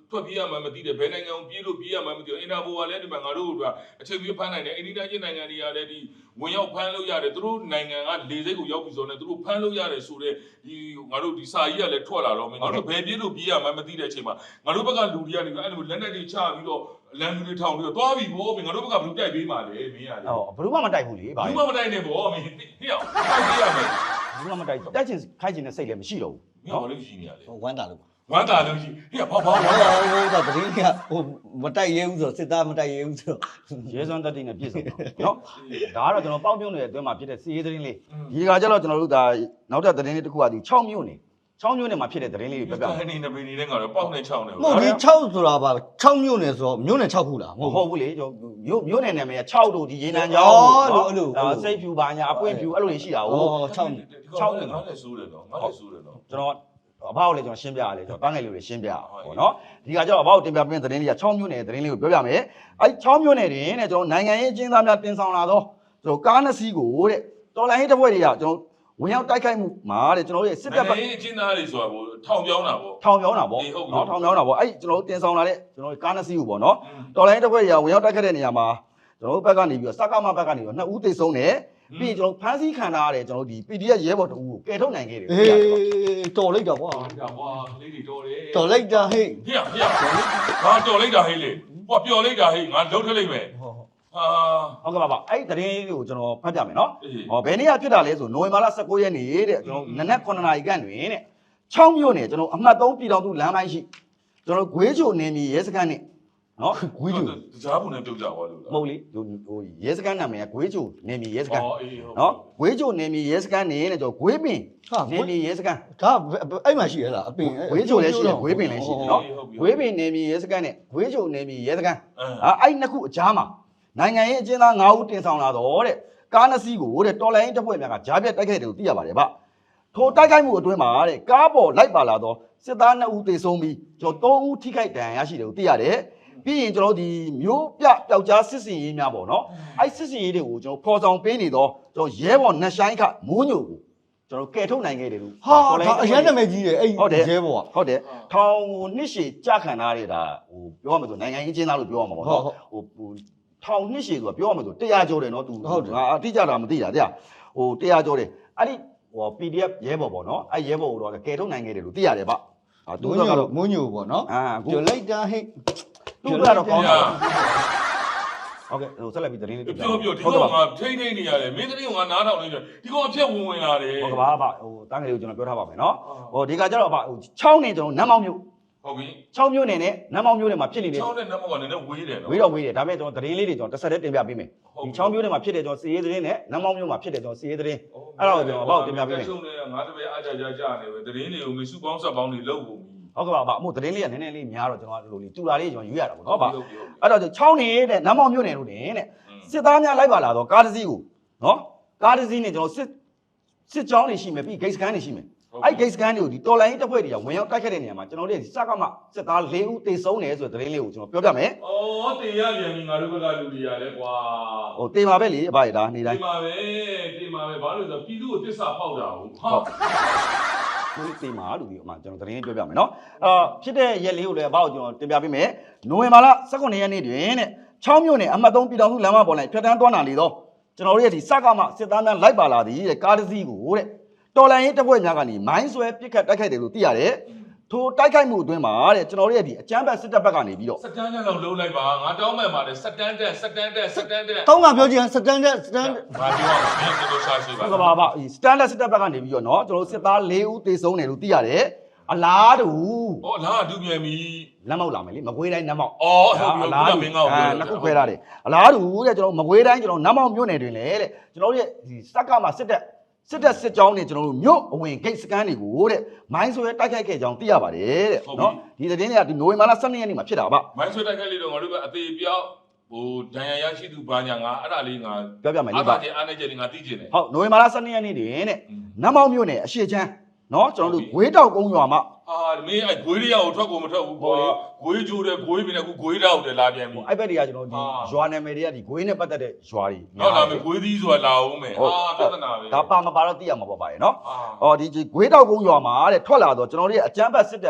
[SPEAKER 2] ထွက်ပြေးရမှမသိတယ်ဘယ်နိုင်ငံကိုပြေးလို့ပြေးရမှမသိဘူးအင်တာပိုကလည်းဒီမှာငါတို့ကအချိန်ပြဖမ်းနိုင်တယ်အိန္ဒိယချင်းနိုင်ငံတွေကလည်းဒီဝင်ရောက်ဖမ်းလို့ရတယ်သူတို့နိုင်ငံကလေစိတ်ကိုရောက်ပြီးဆိုတော့သူတို့ဖမ်းလို့ရတယ်ဆိုတော့ဒီငါတို့ဒီစာကြီးကလည်းထွက်လာတော့မယ်ငါတို့ဘယ်ပြေးလို့ပြေးရမှမသိတဲ့အချိန်မှာငါတို့ဘက်ကလူတွေကနေအဲ့လိုလက်နက်တွေချပြီးတော့လမ်းတွေထောင်ပြီးတော့သွားပြီဗောငါတို့ဘက်ကဘလူတိုက်ပေးပါလေမင်းရတယ်
[SPEAKER 1] ဟောဘယ်သူမှမတိုက်ဘူးလေဗျာ
[SPEAKER 2] ဘူးမမတိုက်နဲ့ဗောမင်းဟေ့တိုက်ပေးရမယ်
[SPEAKER 1] ဘယ်သူမှမတိုက်တိုက်ချင်ခိုက်ချင်တဲ့စိတ်လည်းမရှိတော့ဘူး
[SPEAKER 2] မင်းဘာလို့ရှိနေရလဲ
[SPEAKER 3] ဟိုဝမ်းတာလို့
[SPEAKER 2] ဝမ်းသာလို့ရှိဟေ့ဘာဘာ
[SPEAKER 3] ဟိုဟိုဟိုတော့တရင်ကဟိုမတိုက်ရဲဘူးဆိုစစ်သားမတိုက်ရဲဘူးဆို
[SPEAKER 1] ရဲစွမ်းတက်တိနဲ့ပြည့်စုံနော်ဒါကတော့ကျွန်တော်ပေါက်ပြုံးနေတဲ့အတွင်းမှာဖြစ်တဲ့စီးရေးသတင်းလေးဒီကကြတော့ကျွန်တော်တို့ဒါနောက်ထပ်သတင်းလေးတစ်ခုကဒီ၆မြို့နေ၆မြို့နေမှာဖြစ်တဲ့သတင်းလေးတွေပြပြ
[SPEAKER 2] နေနေနေနေငါတော့ပေါက်နေချောင်းနေ
[SPEAKER 3] မဟုတ်ဒီ၆ဆိုတာပါ၆မြို့နယ်ဆိုတော့မြို့နယ်၆ခုလား
[SPEAKER 1] မဟုတ်ဘူးလေကျွန်တော်မြို့မြို့နယ်နာမည်က၆တို့ဒီရေနံချောင်းဒါစိတ်ဖြူပါညာအပွင့်ဖြူအဲ့လိုတွေရှိတာဟုတ်
[SPEAKER 3] ဟော၆
[SPEAKER 2] ချောင်းနေငါလည်းစိုးတယ်နော်ငါလည်းစိုးတယ်နော်
[SPEAKER 1] ကျွန်တော်အဘောက်လည်းကျွန်တော်ရှင်းပြရလေကျွန်တော်တန်းငယ်လေးတွေရှင်းပြရပေါ့နော်ဒီကကျတော့အဘောက်တင်ပြပေးတဲ့သတင်းလေးက၆မြို့နယ်သတင်းလေးကိုပြောပြမယ်အဲ့၆မြို့နယ်တွင်တဲ့ကျွန်တော်နိုင်ငံရေးအကျဉ်းသားများတင်ဆောင်လာတော့ကျွန်တော်ကားနှစ်စီးကိုတဲ့တော်လိုင်းဟိတစ်ဖွဲ့တွေကကျွန်တော်ဝင်ရောက်တိုက်ခိုက်မှုမှာတဲ့ကျွန်တော်ရဲ့စစ်တပ်ဘက်
[SPEAKER 2] နိုင်ငံရေးအကျဉ်းသားတွေဆိုတာကိုထောင်ပြောင်းတာပေါ့
[SPEAKER 1] ထောင်ပြောင်းတာပေါ့နော်ထောင်ပြောင်းတာပေါ့အဲ့ကျွန်တော်တင်ဆောင်လာတဲ့ကျွန်တော်ကားနှစ်စီးကိုပေါ့နော်တော်လိုင်းတစ်ဖွဲ့တွေကဝင်ရောက်တိုက်ခိုက်တဲ့နေရာမှာကျွန်တော်ဘက်ကနေပြီးတော့စကားမဘက်ကနေပြီးတော့နှစ်ဦးသေဆုံးတယ်ပြီးကျွန်တော်ဖမ်းဆီးခံထားရတဲ့ကျွန်တော်ဒီ ပီ ဒီ အက်ဖ် ရဲဘော်တူကိုကယ်ထုတ်နိုင်ခဲ့တယ်
[SPEAKER 3] အေးတော်လိုက်တာကွာ
[SPEAKER 2] ဒါကွာကလေးတွေတော်တယ်
[SPEAKER 3] တော်လိုက်တာဟေ့
[SPEAKER 2] ဟေ့ဟေ့ငါတော်လိုက်တာဟေ့လေဟောပျော်လိုက်တာဟေ့ငါလုံးထလိုက်မယ်
[SPEAKER 3] ဟော
[SPEAKER 2] ဟာ
[SPEAKER 1] ဟုတ်ကဲ့ပါပါအဲ့ဒီသတင်းလေးကိုကျွန်တော်ဖတ်ပြမယ်နော်ဟောဘယ်နေ့ကဖြစ်တာလဲဆိုနိုဝင်ဘာလ၁၉ရက်နေ့တဲ့ကျွန်တော်နနက်9နာရီခန့်တွင်တဲ့၆မြို့နယ်ကျွန်တော်အမှတ်၃ပြည်တော်သူလမ်းပိုင်းရှိကျွန်တော်ဂွေးချိုနေမြေရဲစခန်းနဲ့နော်
[SPEAKER 3] ဝီဒီယို
[SPEAKER 2] ကြားပုံနဲ့ပြုတ်ကြသွားလို့လား
[SPEAKER 1] မဟုတ်လေဟိုဟိုရဲစခန်းနာမည်ကဂွေးချိုနေမြေရဲစခန်း
[SPEAKER 2] အော်အေးဟုတ်
[SPEAKER 1] နော်ဂွေးချိုနေမြေရဲစခန်းနေတဲ့ကျွန်တော်ဂွေးပင်နေမြေရဲစခန်း
[SPEAKER 3] ဒါအဲ့မှာရှိရလားအပင်
[SPEAKER 1] ဂွေးချိုလည်းရှိတယ်ဂွေးပင်လည်းရှိတယ်နော်ဂွေးပင်နေမြေရဲစခန်းနဲ့ဂွေးချိုနေမြေရဲစခန်းအာအဲ့နှစ်ခုအကြားမှာနိုင်ငံရေးအကျဉ်းသား၅ဦးတင်ဆောင်လာတော့တဲ့ကားနှစ်စီးကိုတဲ့တော်လိုင်းတပ်ဖွဲ့များကကြားပြတ်တိုက်ခိုက်တယ်လို့သိရပါတယ်ဗျထိုတိုက်ခိုက်မှုအတွင်းမှာတဲ့ကားပေါ်လိုက်ပါလာတော့စစ်သားနှစ်ဦးသေဆုံးပြီးကျွန်တော်၃ဦးထိခိုက်ဒဏ်ရာရရှိတယ်လို့သိရတယ်ပြီးရင်ကျွန်တော်ဒီမျိုးပြပျောက်ကြားစစ်စင်ရေးများပေါ့နော်အဲ့စစ်စင်ရေးတွေကိုကျွန်တော်ဖော်ဆောင်ပေးနေတော့ကျွန်တော်ရဲဘော်နှဆိုင်ခမိုးညိုကိုကျွန်တော်ကယ်ထုတ်နိုင်ခဲ့တယ်လို့
[SPEAKER 3] ဟာဒါအရင်နာမည်ကြီးတယ်အဲ့ရဲဘော်
[SPEAKER 1] ဟုတ်တယ်ထောင်ကိုနှစ်ရှည်ကြာခံထားရတာဟိုပြောရမယ်ဆိုနိုင်ငံရေးကျင်းသားလို့ပြောရမှာပေါ့နော်ဟိုဟိုထောင်နှစ်ရှည်ဆိုတာပြောရမယ်ဆိုတရားကျော်တယ်နော်သူငါအတိအကျတာမသိတာတရားဟိုတရားကျော်တယ်အဲ့ဒီဟို ပီ ဒီ အက်ဖ် ရဲဘော်ပေါ့နော်အဲ့ရဲဘော်ကိုတော့ကယ်ထုတ်နိုင်ခဲ့တယ်လို့သိရတယ်ဗျဟာသူ
[SPEAKER 3] သူ
[SPEAKER 1] ကတော့
[SPEAKER 3] ကတော့မွန်းညိုပေါ့နော်
[SPEAKER 1] အာအခု
[SPEAKER 3] တော်လိုက်တာဟေ့
[SPEAKER 1] သူကတော့ကောင်းတာဟုတ်ကဲ့ဟိုဆက်လက်ပြီးသတင်းလေးပြပြ
[SPEAKER 2] ပြောပြောဒီကောင်ကထိမ့်ထိမ့်နေရတယ်မင်းသမီးကငါနားထောင်နေတယ်ဒီကောင်အဖြက်ဝင်ဝင်လာတယ်
[SPEAKER 1] ဟုတ်ကဲ့ပါဗျဟိုတန်းကလေးကိုကျွန်တော်ပြောထားပါမယ်နော်ဟိုဒီကကျတော့ဗျဟို၆နေကျွန်တော်နမ်းမောင်မြို့
[SPEAKER 2] ဟုတ်ပြီ
[SPEAKER 1] ၆မြို့နယ်နဲ့နမ်းမောင်မြို့နယ်မှာဖြစ်နေတဲ့
[SPEAKER 2] ချောင်းနဲ့နတ်မောင်ကလည်းဝေးတယ်နော်
[SPEAKER 1] ဝေးတော့ဝေးတယ်ဒါပေမဲ့ကျွန်တော်သတင်းလေးတွေကျွန်တော်တစ်ဆက်တည်းတင်ပြပေးမယ်ဒီ၆မြို့နယ်မှာဖြစ်တဲ့ကျွန်တော်စီရေးသတင်းနဲ့နမ်းမောင်မြို့မှာဖြစ်တဲ့ကျွန်တော်စီရေးသတင်းအဲ့ဒါကိုကျွန်တော်အပေါ့တင်ပြပေးမယ်
[SPEAKER 2] ချုံနေငါတပည့်အားကြကြကြနေပဲသတင်းတွေကိုမစုပေါင်းဆက်ပေါင်းတွေလုပ်ဖို့
[SPEAKER 1] ဟုတ်ကဲ့ပါဗျအမို့သတင်းလေးကနည်းနည်းလေးများတော့ကျွန်တော်လိုလေးတူလာလေးကျွန်တော်ယူရတာပေါ့နော်ဗျအဲ့တော့၆နေတဲ့နမ်းမောင်မြို့နယ်လို့တင်တဲ့စစ်သားများလိုက်ပါလာတော့ကားတစ်စီးကိုနော်ကားတစ်စီးနဲ့ကျွန်တော်စစ်စစ်ကြောင်းတွေရှိမယ်ပြီးဂိတ်စကန်တွေရှိမယ်အဲ့ဂိတ်စကန်တွေကိုဒီတော်လိုင်းတပ်ဖွဲ့တွေကဝင်ရောက်တိုက်ခတ်တဲ့နေရာမှာကျွန်တော်တို့ဒီစကမစစ်သား၄ဦးတေဆုံးတယ်ဆိုတဲ့သတင်းလေးကိုကျွန်တော်ပြောပြမယ်
[SPEAKER 2] ။အော်တင်ရပြန်ပြီငါတို့ဘက်ကလူတွေရလဲကွာ
[SPEAKER 1] ဟိုတေပါပဲလေအဘရဒါနေ
[SPEAKER 2] ။
[SPEAKER 1] တိုင်း
[SPEAKER 2] တင်ပါပဲတင်ပါပဲဘာလို့လဲဆိုတော့ပြည်သူကိုတစ္ဆာဖောက်တာဟုတ်။ဟာ
[SPEAKER 1] ဒီတေမာလူဒီအမှကျွန်တော်သတင်းလေးပြောပြမယ်နော်အာဖြစ်တဲ့ရက်လေးကိုလည်းအဘကိုကျွန်တော်တင်ပြပေးမယ်နိုဝင်ဘာလ၁၉ရက်နေ့တွင်တဲ့၆မြို့နယ်အမှတ်၃ပြည်တော်စုလမ်းမပေါ်၌ဖြတ်တန်းသွားနာလေတော့ကျွန်တော်တို့ရဲ့ဒီစကမစစ်သားများလိုက်ပါလာသည်တဲ့ကားတစ်စီးကိုတဲ့တော်လန်ရေးတပ်ဖွဲ့များကနေမိုင်းဆွဲပစ်ခတ်တိုက်ခိုက်တယ်လို့သိရတယ်ထိုတိုက်ခိုက်မှုအတွင်းမှာတဲ့ကျွန်တော်တို့ရဲ့ဒီအကြမ်းဖက်စစ်တပ်ဘက်ကနေပြီးတော့
[SPEAKER 2] စတန်တန်လောက်လုံးလိုက်ပါငါတောင်းမဲ့ပါတယ်စတန်တန်စတန်တန်စတန်တန်
[SPEAKER 3] တောင်းကပြောကြည့်စတန်ဒတ်စတန်
[SPEAKER 2] ငါပြောရမှာမင်းတို့ရှာရှိပါ
[SPEAKER 1] ဟုတ်ကဲ့ပါဗျစတန်လက်စစ်တပ်ဘက်ကနေပြီးတော့เนาะကျွန်တော်တို့စစ်သား၄ဦးတေဆုံးတယ်လို့သိရတယ်အလားတူ
[SPEAKER 2] ။အော်လာဒူပြန်ပြီ
[SPEAKER 1] လက်မောက်လာမယ်လေမကွေးတိုင်းနတ်မောက်
[SPEAKER 2] ။အော်ဟုတ်ပြီခုနမင်းကောက်
[SPEAKER 1] အဲနှစ်ခုခွဲထားတယ်အလားတူတဲ့ကျွန်တော်မကွေးတိုင်းကျွန်တော်နတ်မောက်မြို့နယ်တွင်လေတဲ့ကျွန်တော်တို့ရဲ့ဒီစက်ကမှစစ်တပ်စစ်တပ်စစ်ကြောင်းတွေကျွန်တော်တို့မြို့အဝင်ဂိတ်စကန်တွေကိုတဲ့မိုင်းဆွဲတိုက်ခိုက်ခဲ့ကြောင်းသိရပါတယ်တဲ့เนาะဒီသတင်းတွေကဒီနိုဝင်ဘာလ၁၂ရက်နေ့မှာဖြစ်တာဗျ
[SPEAKER 2] မိုင်းဆွဲတိုက်ခိုက်လေးတော့ငါတို့ကအသေးပြောက်ဟိုဒဏ်ရာရရှိသူဘာညာငါအဲ့ဒါလေးငါ
[SPEAKER 1] ပြောပြမယ်လေ
[SPEAKER 2] အား
[SPEAKER 1] ဗျ
[SPEAKER 2] သာချင်းအားနေချင်းငါသိချင်တယ်
[SPEAKER 1] ဟုတ်နိုဝင်ဘာလ၁၂ရက်နေ့တွင်တဲ့နတ်မောက်မြို့နယ်အရှိချမ်းเนาะကျွန်တော်တို့ဂွေးတောက်ကုန်းရွာမှာ
[SPEAKER 2] အာမင်းအဲ့ဂွေးလေးရောက်ထွက်ကိုမထွက်ဘူးကွာဂွေးကျိုးတယ်ဂွေးပြင်းတယ်အခုဂွေးတောက်တယ်လာပြန်ပြီ
[SPEAKER 1] အဲ့ဘက်တွေကကျွန်တော်ဒီရွာနာမည်တွေကဒီဂွေးနဲ့ပတ်သက်တဲ့ရွာတွေ
[SPEAKER 2] ဟုတ်လားမင်းဂွေးသီးဆိုတာလာအောင်မယ်ဟာပြဿနာပဲ
[SPEAKER 1] ဒါပါမပါတော့သိရမှာပေါ့ပါရဲ့เนาะ
[SPEAKER 2] အာ
[SPEAKER 1] အော်ဒီဂွေးတောက်ကုန်းရွာမှာတဲ့ထွက်လာတော့ကျွန်တော်တို့ရဲ့အကြမ်းဖက်စစ်တပ်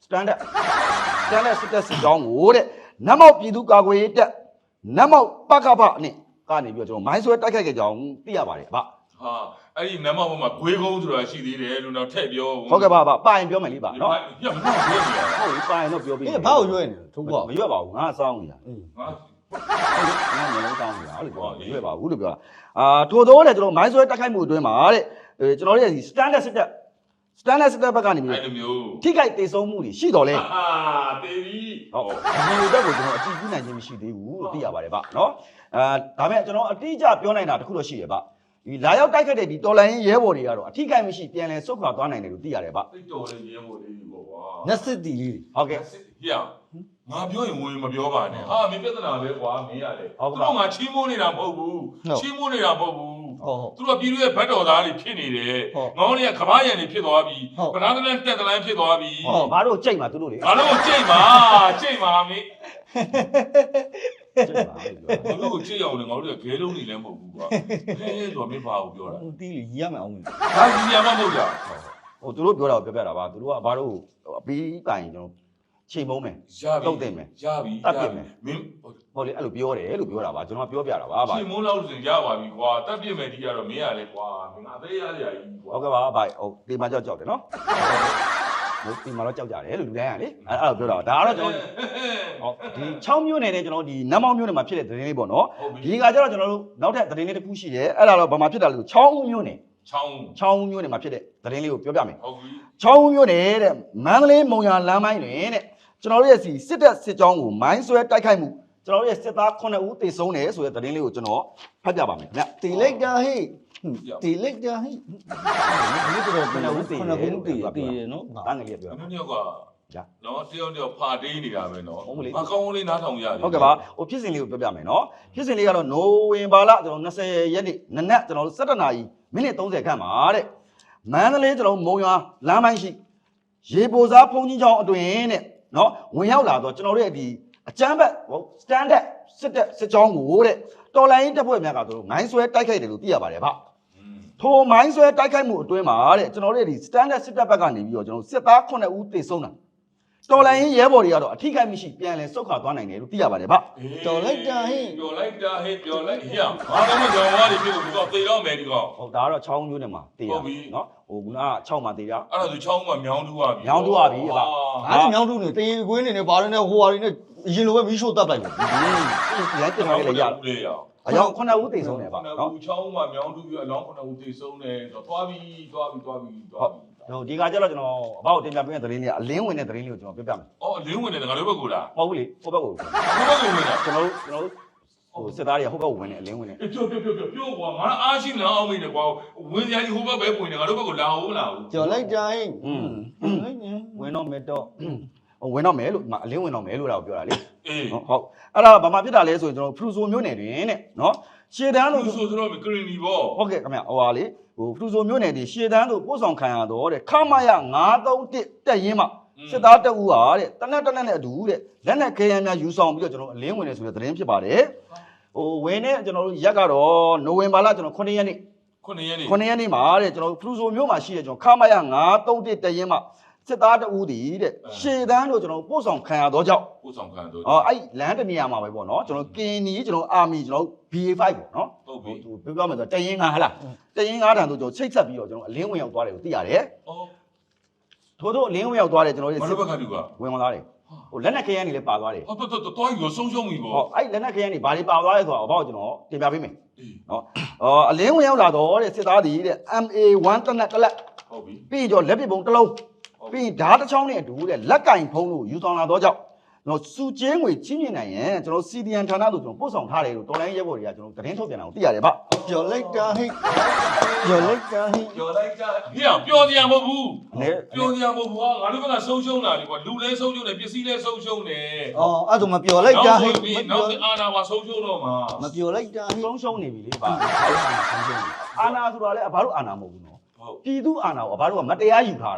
[SPEAKER 1] standard standard စစ်တပ်စစ်ကြောင်းကိုတဲ့နတ်မောက်ပြည်သူကာကွယ်ရေးတပ်နတ်မောက်ပကဖနဲ့ကနေပြီးတော့ကျွန်တော်မိုင်းဆွဲတိုက်ခိုက်ခဲ့ကြအောင်သိရပါတယ်ဗျ
[SPEAKER 2] ဟာအဲ့ဒီနမဘုံမှာဂွေးကုန်းဆိုတာရှိသေးတယ်လို့တော့ထည့်ပြော
[SPEAKER 1] ဟုတ်ကဲ့ပါဗျပါရင်ပြောမယ်လေဗျနော်
[SPEAKER 2] ညမပြောနေရ
[SPEAKER 1] ဟုတ်ပြီပါရင်တော့ပြောပြီး
[SPEAKER 3] အေးဘာကိုရွေးနေလဲထုံးကွာ
[SPEAKER 1] မရွက်ပါဘူးငါစောင်းနေတာ
[SPEAKER 3] အေး
[SPEAKER 2] ငါ
[SPEAKER 1] ငါမျိုးလုံးစောင်းနေတာဟုတ်လေပြောမရွက်ပါဘူးလို့ပြောတာအာထို့သောတဲ့ကျွန်တော်မိုင်းဆွဲတိုက်ခိုက်မှုအတွင်းမှာတဲ့ကျွန်တော်တို့ရဲ့ standard စစ်တပ် standard စစ်တပ်ဘက်ကနေပြီး
[SPEAKER 2] အဲ့လိုမျိုး
[SPEAKER 1] ထိခိုက်ဒေဆုံးမှုတွေရှိတော်လဲ
[SPEAKER 2] ဟာတေးပြီ
[SPEAKER 1] ဟုတ်ဒီလိုတက်ကိုကျွန်တော်အတိအကျနိုင်ခြင်းမရှိသေးဘူးလို့သိရပါတယ်ဗျနော်အာဒါပေမဲ့ကျွန်တော်အတိအကျပြောနိုင်တာတခုတော့ရှိရဗျဒီလာရောက်တိုက်ခတ်တဲ့ဒီတော်လိုင်းရဲဘော်တွေကတော့အထိခိုက်မရှိပြန်လဲဆုတ်ခွာသွားနိုင်တယ်လို့သိရတယ်ဗျ
[SPEAKER 2] တိတ်တော်လေးရဲဘော်လေးပေါ့ကွာ
[SPEAKER 3] နက်စစ်တီလေး
[SPEAKER 1] ဟုတ်ကဲ့
[SPEAKER 2] ဟေ့ငါပြောရင်ဝင်မပြောပါနဲ့ဟာမင်းပြဿနာပဲကွာမင်းရတယ်သူတို့ငါချီးမိုးနေတာမဟုတ်ဘူးချီးမိုးနေတာမဟုတ်ဘူး
[SPEAKER 3] ဟုတ်ဟုတ်
[SPEAKER 2] သူတို့ပြည်သူရဲ့ဘတ်တော်သားတွေဖြစ်နေတယ်ငေါင်းတွေကကဘာရံတွေဖြစ်သွားပြီပနာသလန်တက်သလန်ဖြစ်သွားပြီ
[SPEAKER 1] ဟောဘာလို့ကြိတ်မှာသူတို့လေ
[SPEAKER 2] ငါတို့ကြိတ်ပါကြိတ်ပါမင်း
[SPEAKER 1] ကြိတ်ပါလို့ပြော
[SPEAKER 2] ငါတို့ကိုကြိတ်အောင်လေငါတို့ကဂဲလုံးနေလည်းမဟုတ်ဘူးကွာဟဲ့ဆိုမင်းဘာကိုပြောတာ
[SPEAKER 3] ဦးတီးလေးရီရမယ်အောင်
[SPEAKER 2] ဒါကြီးရမမဟုတ်ကြ
[SPEAKER 1] ဟိုသူတို့ပြောတာကိုပြောပြတာပါသူတို့ကဘာလို့အပီးပိုင်ကျွန်တော်ချိန်မုံးမယ်
[SPEAKER 2] ရပြီ
[SPEAKER 1] တုတ်တင်မယ်
[SPEAKER 2] ရပြီ
[SPEAKER 1] တတ်ပြစ်မယ်
[SPEAKER 2] မင်း
[SPEAKER 1] ဟုတ်လေအဲ့လိုပြောတယ်လို့ပြောတာပါကျွန်တော်ပြောပြတာပါဗျ
[SPEAKER 2] ရှင်မိုးလောက်ဆိုရပါပြီကွာတတ်ပြစ်မယ်ဒီကတော့မင်းရလေကွာမင်းအသေးရရကြီးကွာ
[SPEAKER 1] ဟုတ်ကဲ့ပါဗျဟုတ်ဒီမှာကြောက်ကြောက်တယ်နော်ဟုတ်ဒီမှာတော့ကြောက်ကြတယ်လို့လူတိုင်းကလေအဲ့အဲ့လိုပြောတာဒါကတော့ကျွန်တော်ဟုတ်ဒီချောင်းမျိုးနယ်နဲ့ကျွန်တော်ဒီနတ်မောင်းမျိုးနယ်မှာဖြစ်တဲ့သတင်းလေးပေါ့နော်ဒီကကျတော့ကျွန်တော်တို့နောက်ထပ်သတင်းလေးတစ်ခုရှိတယ်အဲ့ဒါတော့ဘာမှဖြစ်တာလို့ချောင်းမျိုးနယ်
[SPEAKER 2] ချောင်း
[SPEAKER 1] ချောင်းမျိုးနယ်မှာဖြစ်တဲ့သတင်းလေးကိုပြောပြမယ်
[SPEAKER 2] ဟုတ်ပြီ
[SPEAKER 1] ချောင်းမျိုးနယ်တဲ့မန္တလေးမုံရလမ်းပိုင်းတွင်တဲ့ကျွန်တော်တို့ရဲ့စီစစ်တပ်စစ်ကြောင်းကိုမိုင်းဆွဲတိုက်ခိုက်မှုကျွန်တော်တို့ရဲ့စစ်သား9ဦးသေဆုံးတယ်ဆိုတဲ့သတင်းလေးကိုကျွန်တော်ဖတ်ပြပါမယ်ခင်ဗျ
[SPEAKER 3] တီလိုက်တာဟိတီလိုက်တာဟိဒီတော့ဘယ်လိုတီလဲတီတီနော်
[SPEAKER 1] တားငယ်လေးပြော
[SPEAKER 2] အမျိုးမျိုးကနော်တယောက်တယောက်ဖာတေးနေတာပဲနော်မကောင်းလေးနားထောင်ရတယ်
[SPEAKER 1] ဟုတ်ကဲ့ပါဟိုဖြစ်စဉ်လေးကိုပြောပြမယ်နော်ဖြစ်စဉ်လေးကတော့နိုဝင်ဘာလကျွန်တော်20ရက်နေ့နနက်ကျွန်တော်17နာရီမိနစ်30ခန့်ပါတဲ့မန္တလေးကျွန်တော်မုံရွာလမ်းပိုင်းရှိရေပိုစားဖုန်ကြီးချောင်းအတွင်းတဲ့နော်ဝင်ရောက်လာတော့ကျွန်တော်တို့ရဲ့ဒီအကျန်းဘက်ဟို standard စစ်တပ်စစ်ကြောင်းကိုတဲ့တော်လိုင်းတပ်ဖွဲ့များကတို့မိုင်းဆွဲတိုက်ခိုက်တယ်လို့သိရပါတယ်ဗျထိုမိုင်းဆွဲတိုက်ခိုက်မှုအတွင်းမှာတဲ့ကျွန်တော်တို့ရဲ့ဒီ standard စစ်တပ်ဘက်ကနေပြီးတော့ကျွန်တော်စစ်သား9ဦးသေဆုံးတာတော်လိုင်းရဲဘော်တွေကတော့အထိခိုက်မရှိပြန်လဲဆုတ်ခွာသွားနိုင်တယ်လို့သိရပါတယ်ဗျ
[SPEAKER 3] တော်လိုက်တာဟိ
[SPEAKER 2] ပြောလိုက်တာဟဲ့ပြောလိုက်ဟေ့ဘာလို့မကြောင်ဝါးတွေဖြစ်လို့ဒီတော့သေတော့မယ်ဒီကောင်
[SPEAKER 1] ဟုတ်ဒါကတော့ချောင်းမျိုးနဲ့မှာတေးရနော်ဟိုက6မှာတေးရ
[SPEAKER 2] အဲ့ဒါဆိုချောင်းကမြောင်းတူပါပြီ
[SPEAKER 1] မြောင်းတူပါပြီဗျ
[SPEAKER 3] အားမြောင်းတူနေတေးကွင်းနေနေဘာတွေနဲ့ဟိုဟာတွေနဲ့အရင်လိုပဲမီးရှို့တပ်လိုက်တယ်
[SPEAKER 1] ဒီရိုက်တင်လာလေရ
[SPEAKER 2] လေရ
[SPEAKER 1] အယောက်9ဦးသေဆုံးတယ်ဗျနော်
[SPEAKER 2] ချောင်းကမြောင်းတူပြီးအလောင်း9ဦးသေဆုံးတယ်ဆိုတော့သွားပြီသွားပြီသွားပြီသွားပြီ
[SPEAKER 1] ဟိုဒီကကျတော့ကျွန်တော်အဘောက်တင်ပြပေးတဲ့သတင်းလေးကအလင်းဝင်တဲ့သတင်းလေးကိုကျွန်တော်ပြောပြမယ်
[SPEAKER 2] အော်လင်းဝင်တယ်ငါတို့ဘက်ကလား
[SPEAKER 1] မဟုတ်ဘူးလေဟိုဘက်ကို
[SPEAKER 2] ဘယ်ဘက်ကဝင်တာ
[SPEAKER 1] ကျွန်တော်တို့ကျွန်တော်တို့ဟိုစစ်သားတွေကဟိုဘက်ကိုဝင်နေအလင်းဝင်နေ
[SPEAKER 2] ပြောပြောပြောပြောပြောကွာငါအားရှိလောင်းအောင်မိတယ်ကွာဝင်ကြကြီးဟိုဘက်ပဲပွင့်တယ်ငါတို့ဘက်ကလာအောင်မလားဘူး
[SPEAKER 3] တော်လိုက်တာဟိ
[SPEAKER 1] อืมဝင်တော့မယ်တော့ဟိုဝင်တော့မယ်လို့အလင်းဝင်တော့မယ်လို့လာပြောတာလေ
[SPEAKER 2] အေး
[SPEAKER 1] ဟုတ်ဟုတ်အဲ့ဒါဘာမှဖြစ်တာလဲဆိုရင်ကျွန်တော်ဖရူဆိုမျိုးနယ်တွင်တဲ့နော်ရှေတန်းလို့
[SPEAKER 2] ဆိုဆိုတော့ကရင်နီပေါ့
[SPEAKER 1] ဟုတ်ကဲ့ခင်ဗျဟိုဟာလေဟိုဖရူဆိုမျိုးနယ်ဒီရှေတန်းတို့ပို့ဆောင်ခံရတော့တဲ့ခမရ931တက်ရင်မှစစ်သားတက်ဦးဟာတဲ့တနက်တနက်နဲ့အတူတဲ့လက်နက်ခဲယမ်းများယူဆောင်ပြီးတော့ကျွန်တော်အလင်းဝင်နေဆိုတဲ့သတင်းဖြစ်ပါတယ်ဟိုဝင်နေကျွန်တော်တို့ရက်ကတော့နိုဝင်ဘာလကျွန်တော်9ရက်နေ့
[SPEAKER 2] ခုနှစ်ရက်နေ
[SPEAKER 1] 9ရက်နေ့မှာတဲ့ကျွန်တော်ဖရူဆိုမျိုးမှာရှိတဲ့ကျွန်တော်ခမရ931တက်ရင်မှစစ်သားတဦးတည်တဲ့ရှေတန်းတို့ကျွန်တော်ပို့ဆောင်ခံရတော့ကြောင့်
[SPEAKER 2] ပို့ဆောင်ခံတော့
[SPEAKER 1] အော်အဲ့လမ်းတနေရာမှာပဲပေါ့နော်ကျွန်တော်ကင်နီကျွန်တော်အာမီကျွန်တော် ဘီ အေ 5 ပေါ့နော်
[SPEAKER 2] ဟုတ်ပြီ
[SPEAKER 1] ဟိုပြောပြမယ်ဆိုတရင်ငါဟလားတရင်ငါတန်ဆိုကျွန်တော်ချိတ်ဆက်ပြီးတော့ကျွန်တော်အလင်းဝင်ရောက်သွားတယ်ကိုသိရတယ်
[SPEAKER 2] အော်
[SPEAKER 1] ထို့သောအလင်းဝင်ရောက်သွားတယ်ကျွန်တော်
[SPEAKER 2] ဘာ
[SPEAKER 1] တို့
[SPEAKER 2] လို့ဘက်ကလူက
[SPEAKER 1] ဝင်ဝင်သွားတယ်ဟိုလက်နက်ခဲယမ်းတွေလည်းပါသွားတယ်
[SPEAKER 2] ဟောတော်တော်တော်ကြီးဆုံးရှုံးပြီပေါ့
[SPEAKER 1] ဟောအဲ့လက်နက်ခဲယမ်းတွေဘာတွေပါသွားလဲဆိုတော့အဘောက်ကျွန်တော်တင်ပြပေးမယ်
[SPEAKER 2] အေး
[SPEAKER 1] နော်အော်အလင်းဝင်ရောက်လာတော့တဲ့စစ်သားတွေတဲ့ အမ် အေ 1 တနက်တလက်
[SPEAKER 2] ဟုတ်ပြီ
[SPEAKER 1] ပြီးတော့လက်ပစ်ပုံတစ်လုံးပြီးဓာတ်တစ်ချောင်းနဲ့အတူတဲ့လက်ကင်ဖုံးလို့ယူဆောင်လာတော့ကြောင့်ကျွန်တော်စူကျင်းငွေချင်းမြင်နိုင်ရင်ကျွန်တော် စီ ဒီ အန် ဌာနတို့ကျွန်တော်ပို့ဆောင်ထားတယ်လို့တော်လိုင်းရဲဘော်တွေကကျွန်တော်သတင်းထုတ်ပြန်တာကိုသိရတယ်ဗျ
[SPEAKER 3] တော်လိုက်တာဟိတော်လိုက်တာဟိ
[SPEAKER 2] ပြောလိုက်ကြဟေ့ပြောစရာမဟုတ်ဘူး
[SPEAKER 1] နဲ
[SPEAKER 2] ပြောစရာမဟုတ်ဘူးငါတို့ဘက်ကဆုံးရှုံးတာလေကွာလူလည်းဆုံးရှုံးတယ်ပစ္စည်းလည်းဆုံးရှုံးတယ်
[SPEAKER 3] အော်အဲ့ဒါမပြောလိုက်တာဟိ
[SPEAKER 2] နောက်အာနာပါဆုံးရှုံးတော့မှာ
[SPEAKER 3] မပြောလိုက်တာဟိ
[SPEAKER 1] ဆုံးရှုံးနေပြီလေဗျအာနာဆိုတာလည်းဘာလို့အာနာမဟုတ်ဘူးနော်
[SPEAKER 2] ဟုတ်
[SPEAKER 1] ပြည်သူအာနာကိုဘာလို့ကမတရားယူထားတာ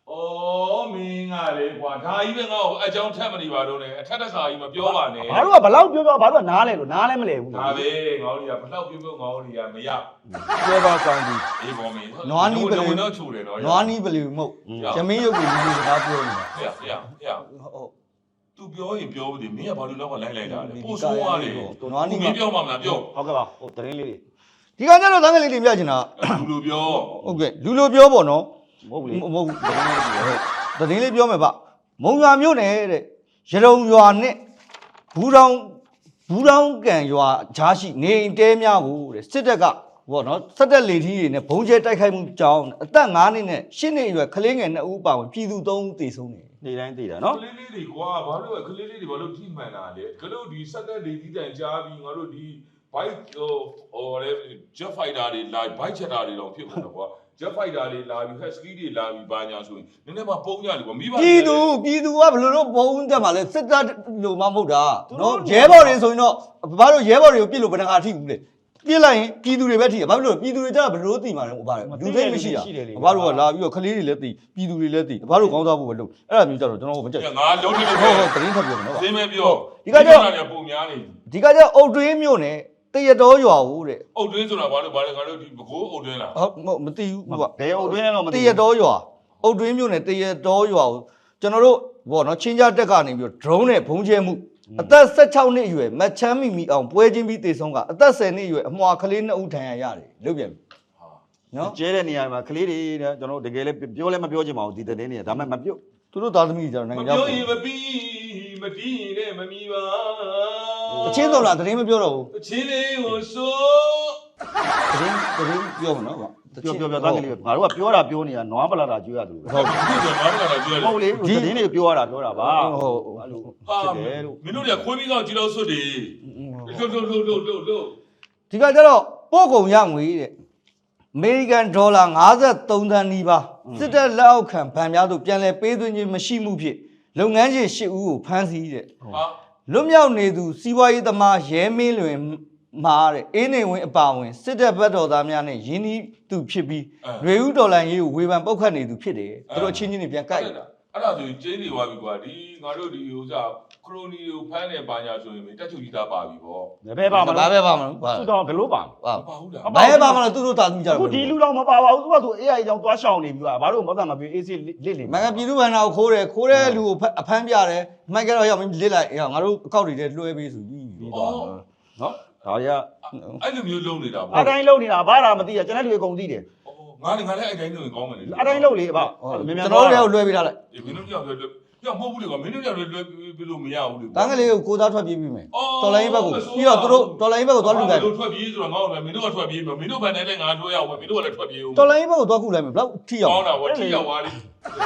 [SPEAKER 2] ဩမင်းကလေကွာဒါကြီးပဲငါ့ကိုအကြောင်းထက်မနေပါတော့နဲ့အထက်တက်စာကြီးမပြောပါနဲ့
[SPEAKER 1] ဘာလို့ကဘလောက်ပြောပြောဘာလို့နားလဲလို့နားလဲမလဲဘူး
[SPEAKER 2] ဒါပဲငေါ့ကြီးကဘလောက်ပြောပြောငေါ့ကြီးကမရ
[SPEAKER 3] ပြောပါကောင်းပြီ
[SPEAKER 2] အေးပေါ်မင်း
[SPEAKER 3] နွားနီးပလေ
[SPEAKER 2] ဝင်တော့ချိုတယ်နော်
[SPEAKER 3] နွားနီးပလေမဟုတ်ရမင်းရုပ်ကိုလူစကားပြောနေတာ
[SPEAKER 2] ဟဲ့ဟဲ့ဟဲ့
[SPEAKER 3] ဟုတ်
[SPEAKER 2] तू ပြောရင်ပြောဘူးဒီမင်းကဘာလို့တော့လိုက်လိုက်တာလဲပို့ဆိုးသွားတယ်
[SPEAKER 3] နွားနီး
[SPEAKER 2] မင်းပြောမှမလားပြော
[SPEAKER 1] ဟုတ်ကဲ့ပါဟိုတရင်လေး
[SPEAKER 3] ဒီကကြတော့တန်းကလေးတင်ပြချင်တာ
[SPEAKER 2] လူလူပြော
[SPEAKER 3] ဟုတ်ကဲ့လူလိုပြောပေါ့နော်
[SPEAKER 1] မဟုတ်ဘူးလေ
[SPEAKER 3] မဟုတ်ဘူးတရင်လေးပြောမယ်ဗျမုံရွာမြို့နယ်တဲ့ရတုံရွာနဲ့ဘူးတောင်ဘူးတောင်ကန်ရွာဂျားရှိနေအိမ်တဲများကိုတဲ့စစ်တပ်ကဘောနော်စက်တက်လေထီးတွေနဲ့ဘုံကျဲတိုက်ခိုက်မှုကြောင်းအသက်၅နှစ်နဲ့၈နှစ်အရွယ်ကလေးငယ်၂ဦးပါဝင်ပြည်သူ၃ဦးသေဆုံးတယ်
[SPEAKER 1] နေတိုင်းသိတာ
[SPEAKER 2] က
[SPEAKER 1] နော်
[SPEAKER 2] လေးလေးတွေကွာဘာလို့ကလေးလေးတွေဘာလို့ထိမှန်တာလဲကလို့ဒီစက်သက်လေးတီးတန်ကြားပြီးငါတို့ဒီ bike ဟိုဟိုလေ jet fighter တွေလာ bike chatter တွေတော့ဖြစ်ကုန်တော့ကွာ jet fighter တွေလာပြီး husky တွေလာပြီးဘာညာဆိုရင်နည်းနည်းမှပုံကြလေကွာမိဘ
[SPEAKER 3] ပြည်သူပြည်သူကဘယ်လိုတော့ဘုံတက်မှာလဲစစ်တပ်လိုမှမဟုတ်တာနော်ရဲဘော်တွေဆိုရင်တော့ဘာလို့ရဲဘော်တွေကိုပြစ်လို့ဘယ်နှခါထိဘူးလဲပြစ်လိုက်ရင်ပြည်သူတွေပဲထိရဘာလို့လဲပြည်သူတွေကြတော့ဘယ်လိုသိမှာလဲဘာလဲလူသိမရှိတာဘာလို့ကလာပြီးတော့ကလေးတွေလည်းသိပြည်သူတွေလည်းသိဘာလို့ကောင်းစားဖို့ပဲလုပ်အဲ့ဒါမျိုးကြတော့ကျွန်တော်မကြက်
[SPEAKER 2] ငါလုံးတယ်လို့
[SPEAKER 3] ဟု
[SPEAKER 2] ပြော
[SPEAKER 3] တ်ဟုတ်တင်းထပ်ပြောမယ်နော်
[SPEAKER 2] စင်းမဲပြော
[SPEAKER 3] ဒီကကြောက်
[SPEAKER 2] ပုံများနေ
[SPEAKER 3] ဒီကကြောက်အုတ်တွင်းမြို့နယ်တရတော်ရွာဦးတဲ့
[SPEAKER 2] အုတ်တွင်းဆိုတာဘာလို့ဘာလဲငါတို့ဒီဘကိုးအုတ်တွင်းလား
[SPEAKER 3] ဟုတ်မသိဘူးကွာ
[SPEAKER 1] ဘယ်အုပ်တွင်းလဲတော့မ
[SPEAKER 3] တ
[SPEAKER 1] သိ
[SPEAKER 3] ရတော်ရွာအုတ်တွင်းမြို့နယ်တရတော်ရွာဦးကျွန်တော်တို့ဘောနော်ချင်းကြတက်ကနေပြီးတော့ drone နဲ့ဘုံကျဲမှုအသက်၁၆နှစ်အရွယ်မတ်ချမ်းမီမီအောင်ပွဲချင်းပြီးတေဆုံးကအသက်၁၀နှစ်အရွယ်အမွှာကလေး၂ဦးထံရရတယ်လုတ်ပြန်ပြီနော်
[SPEAKER 1] ကျဲတဲ့နေရာမှာကလေးတွေတဲ့ကျွန်တော်တကယ်လည်းပြောလဲမပြောချင်ပါဘူးဒီတဲ့နေရာဒါမှမပြော
[SPEAKER 3] သူတို့သားသမီးတွေကျတော့
[SPEAKER 2] မ
[SPEAKER 3] နိုင်ငံခြား
[SPEAKER 2] ပြောရင်မပြီးမတီးရင်လည်းမမီပါ
[SPEAKER 3] အချင်းတော်လားတရင်မပြောတော့ဘူး
[SPEAKER 2] အချင်းလေးကိုဆို
[SPEAKER 3] တရင်တရင်ပြောမှာနော်ဗျ
[SPEAKER 1] ပြောပြောပြောသားကလေးငါတို့ကပြောတာပြောနေတာနွားပလာတာကျွေးရတယ်
[SPEAKER 2] ဟုတ်ပြီဒီမှာဘာလို့လဲပြောလဲ
[SPEAKER 1] ဟုတ်လေဒီတင်းတွေပြောရတာပြောတာပါဟုတ်အဲ့လို
[SPEAKER 2] ဟာ
[SPEAKER 1] ဖြစ်တယ်လို့
[SPEAKER 2] မင်းတို့ကခွေးပြီးတော့ကြည်လို့ဆွတ်တယ်လှုပ်လှုပ်လှုပ်လှုပ်လှုပ်လှုပ်
[SPEAKER 3] ဒီကကျတော့ပို့ကုန်ရငွေတဲ့အမေရိကန်ဒေါ်လာ၅၃သန်းနီးပါးစစ်တပ်လက်အောက်ခံဗန်များတို့ပြန်လည်ပေးသွင်းခြင်းမရှိမှုဖြင့်လုပ်ငန်းရှင်၈ဦးကိုဖမ်းဆီးတဲ့
[SPEAKER 2] ဟာ
[SPEAKER 3] လွတ်မြောက်နေသူစီးပွားရေးသမားရဲမင်းလွင်မှာတဲ့အေးနေဝင်အပါဝင်စစ်တပ်ဘက်တော်သားများနဲ့ရင်းနှီးသူဖြစ်ပြီးရွေဦးဒေါ်လာရေးကိုဝေဖန်ပုတ်ခတ်နေသူဖြစ်တယ်သူတို့အချင်းချင်းတွေပြန်ကြိုက်
[SPEAKER 2] အဲ့ဒါဆိုကျင်းနေသွားပြီကွာဒီငါတို့ဒီဥစားခရိုနီကိုဖမ်းနေပါညာဆိုရင်တက်ချုပ်ကြီးသားပါပြီပေါ့
[SPEAKER 1] ဘယ်ပါမ
[SPEAKER 3] ဘာ
[SPEAKER 1] လဲ
[SPEAKER 3] ပဲပါမလို့ဘာ
[SPEAKER 1] သူတော့ဘယ်လိုပါ
[SPEAKER 3] ဘာ
[SPEAKER 2] မပါဘူးလား
[SPEAKER 3] ဘယ်ပါမလို့သူတို့တာသမီးကြတော့
[SPEAKER 1] အခုဒီလူတော့မပါပါဘူးသူကသူ အေး အိုင် ကြောင့်သွားရှောင်နေပြီပါဘာလို့မသက်မပြေအေးစစ်လစ်လေ
[SPEAKER 3] မင်္ဂပြည်သူ့ဘဏ္ဍာကိုခိုးတယ်ခိုးတဲ့လူကိုအဖမ်းပြတယ်မိုက်ကတော့ရောက်မင်းလစ်လိုက်ငါတို့အကောက်တွေထဲလွှဲပေးဆိုပြီး
[SPEAKER 1] ပြီးသွားနော်ဒါရ
[SPEAKER 2] အဲ့လိုမျိုးလုံးနေတာပေါ့
[SPEAKER 1] အတိုင်းလုံးနေတာဘာသာမသိရကျွန်တော်တွေအကုန်သိတယ်
[SPEAKER 2] ငါလည်းငါလည်းအဲ့တိုင်းလုံးကောင်းမယ်လေ
[SPEAKER 1] အတိုင်းလုံးလေအဘ
[SPEAKER 3] ကျွန်တော်တို့လည်းလွှဲပေးထားလိုက်
[SPEAKER 2] မင်းတို့ကြောက်လွယ်လွယ်ပြမဟုတ်ဘူးလေကွာမင်းတို့ကြောက်လွယ်လွယ်ပြလို့မရဘူးလေ
[SPEAKER 3] တန်းကလေးကိုကိုသားထွက်ပြေးပြီးမယ်တော်လိုင်းဘက်ကိုပြီးတော့သူတို့တော်လိုင်းဘက်ကိုသွားလူလိုက်
[SPEAKER 2] တို့ထွက်ပြေးဆိုတော့ငါ့ကိုလည်းမင်းတို့ကထွက်ပြေးမယ်မင်းတို့ဘန်တိုင်းလည်းငါထွက်ရအောင်မင်းတို့ကလည်းထွက်ပြေးအောင်
[SPEAKER 3] တော်လိုင်းဘက်ကိုသွားခုလိုက်မယ်ဘလောက်ထိအောင်
[SPEAKER 2] ကောင်းတာဗောထိရောက်သွားလိ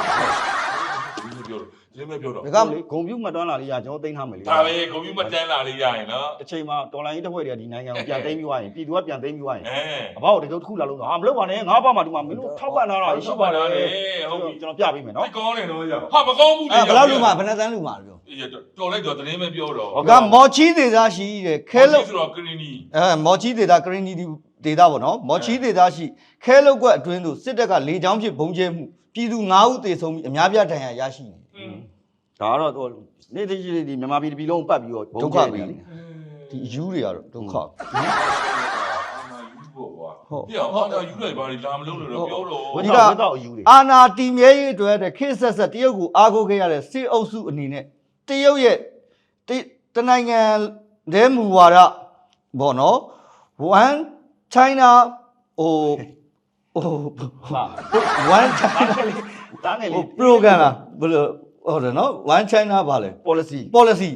[SPEAKER 2] ဒီလိုပြောတော့ဒီလိုပြောတော့
[SPEAKER 3] ဒါက
[SPEAKER 1] လေဂုံပြူမတွန်းလာလေးရကျွန်တော်သိမ်းထားမယ်လေ
[SPEAKER 2] ဒါပဲကွန်ပျူတာတန်းလာလေးရရင်နော်
[SPEAKER 1] တစ်ချိန်မှာတော်လိုင်းတစ်ဖွဲ့တွေကဒီနိုင်ငံကိုပြန်သိမ်းပြီးသွားရင်ပြည်သူကပြန်သိမ်းပြီးသွားရင်
[SPEAKER 2] အဲ
[SPEAKER 1] အဘောက်တကယ်တစ်ခုလာလို့ဟာမလုပ်ပါနဲ့ငါးပါးမှဒီမှာမင်းတို့ထောက်ပံ့လာတာရှိပါလား
[SPEAKER 2] ဟုတ်ပြီ
[SPEAKER 1] ကျွန်တော်ပြပေးမယ်နော်
[SPEAKER 2] ကောင်းတယ်တော့ရဟာမကောင်းဘူးလေ
[SPEAKER 3] အဲဘလောက်လူမှာဘယ်နှသန်းလူမှာပြော
[SPEAKER 2] တော်လိုက်တော့သတင်းပဲပြောတော့
[SPEAKER 3] ကမော်ချီဒေသရှိတဲ့ခဲလုတ်
[SPEAKER 2] ဆိုတော့ကရီနီ
[SPEAKER 3] အဲမော်ချီဒေသကရင်နီဒေသပေါ့နော်မော်ချီဒေသရှိခဲလုတ်ကွက်အတွင်းသို့စစ်တပ်ကလေကြောင်းဖြစ်ဘုံကျဲမှုပြည်သူ၅ဦးသေဆုံးပြီးအများပြဒဏ်ရာရရှိနေ
[SPEAKER 1] ဒါကတော့နေ့တကြီးဒီမြန်မာပြည်တစ်ပြည်လုံးပတ်ပြီးတော့
[SPEAKER 3] ဒုက္ခပေးနေဒီအယူတွေကတော့ဒုက္ခ
[SPEAKER 2] အာနာယူပေါ့ကွာပြအောင်အာနာယူလိုက်ပါလေလာမလုံးလို့တော့ပြောတော့
[SPEAKER 1] ဝိသောဝိသောအယူတွေ
[SPEAKER 3] အာနာတီမြဲရေးအတွက်တဲ့ခေတ်ဆက်ဆက်တရုတ်ကိုအားကိုးခဲ့ရတဲ့စစ်အုပ်စုအနေနဲ့တရုတ်ရဲ့တနိုင်ငံတဲမူဝါဒဘောနော် one China ဟိုဟို
[SPEAKER 1] ဟာ
[SPEAKER 3] one China
[SPEAKER 1] တားငယ်
[SPEAKER 3] ဟို
[SPEAKER 1] လေး
[SPEAKER 3] program လားဘယ်လိုဟုတ်တယ်နော် one China ပါလေ
[SPEAKER 1] policy
[SPEAKER 3] policy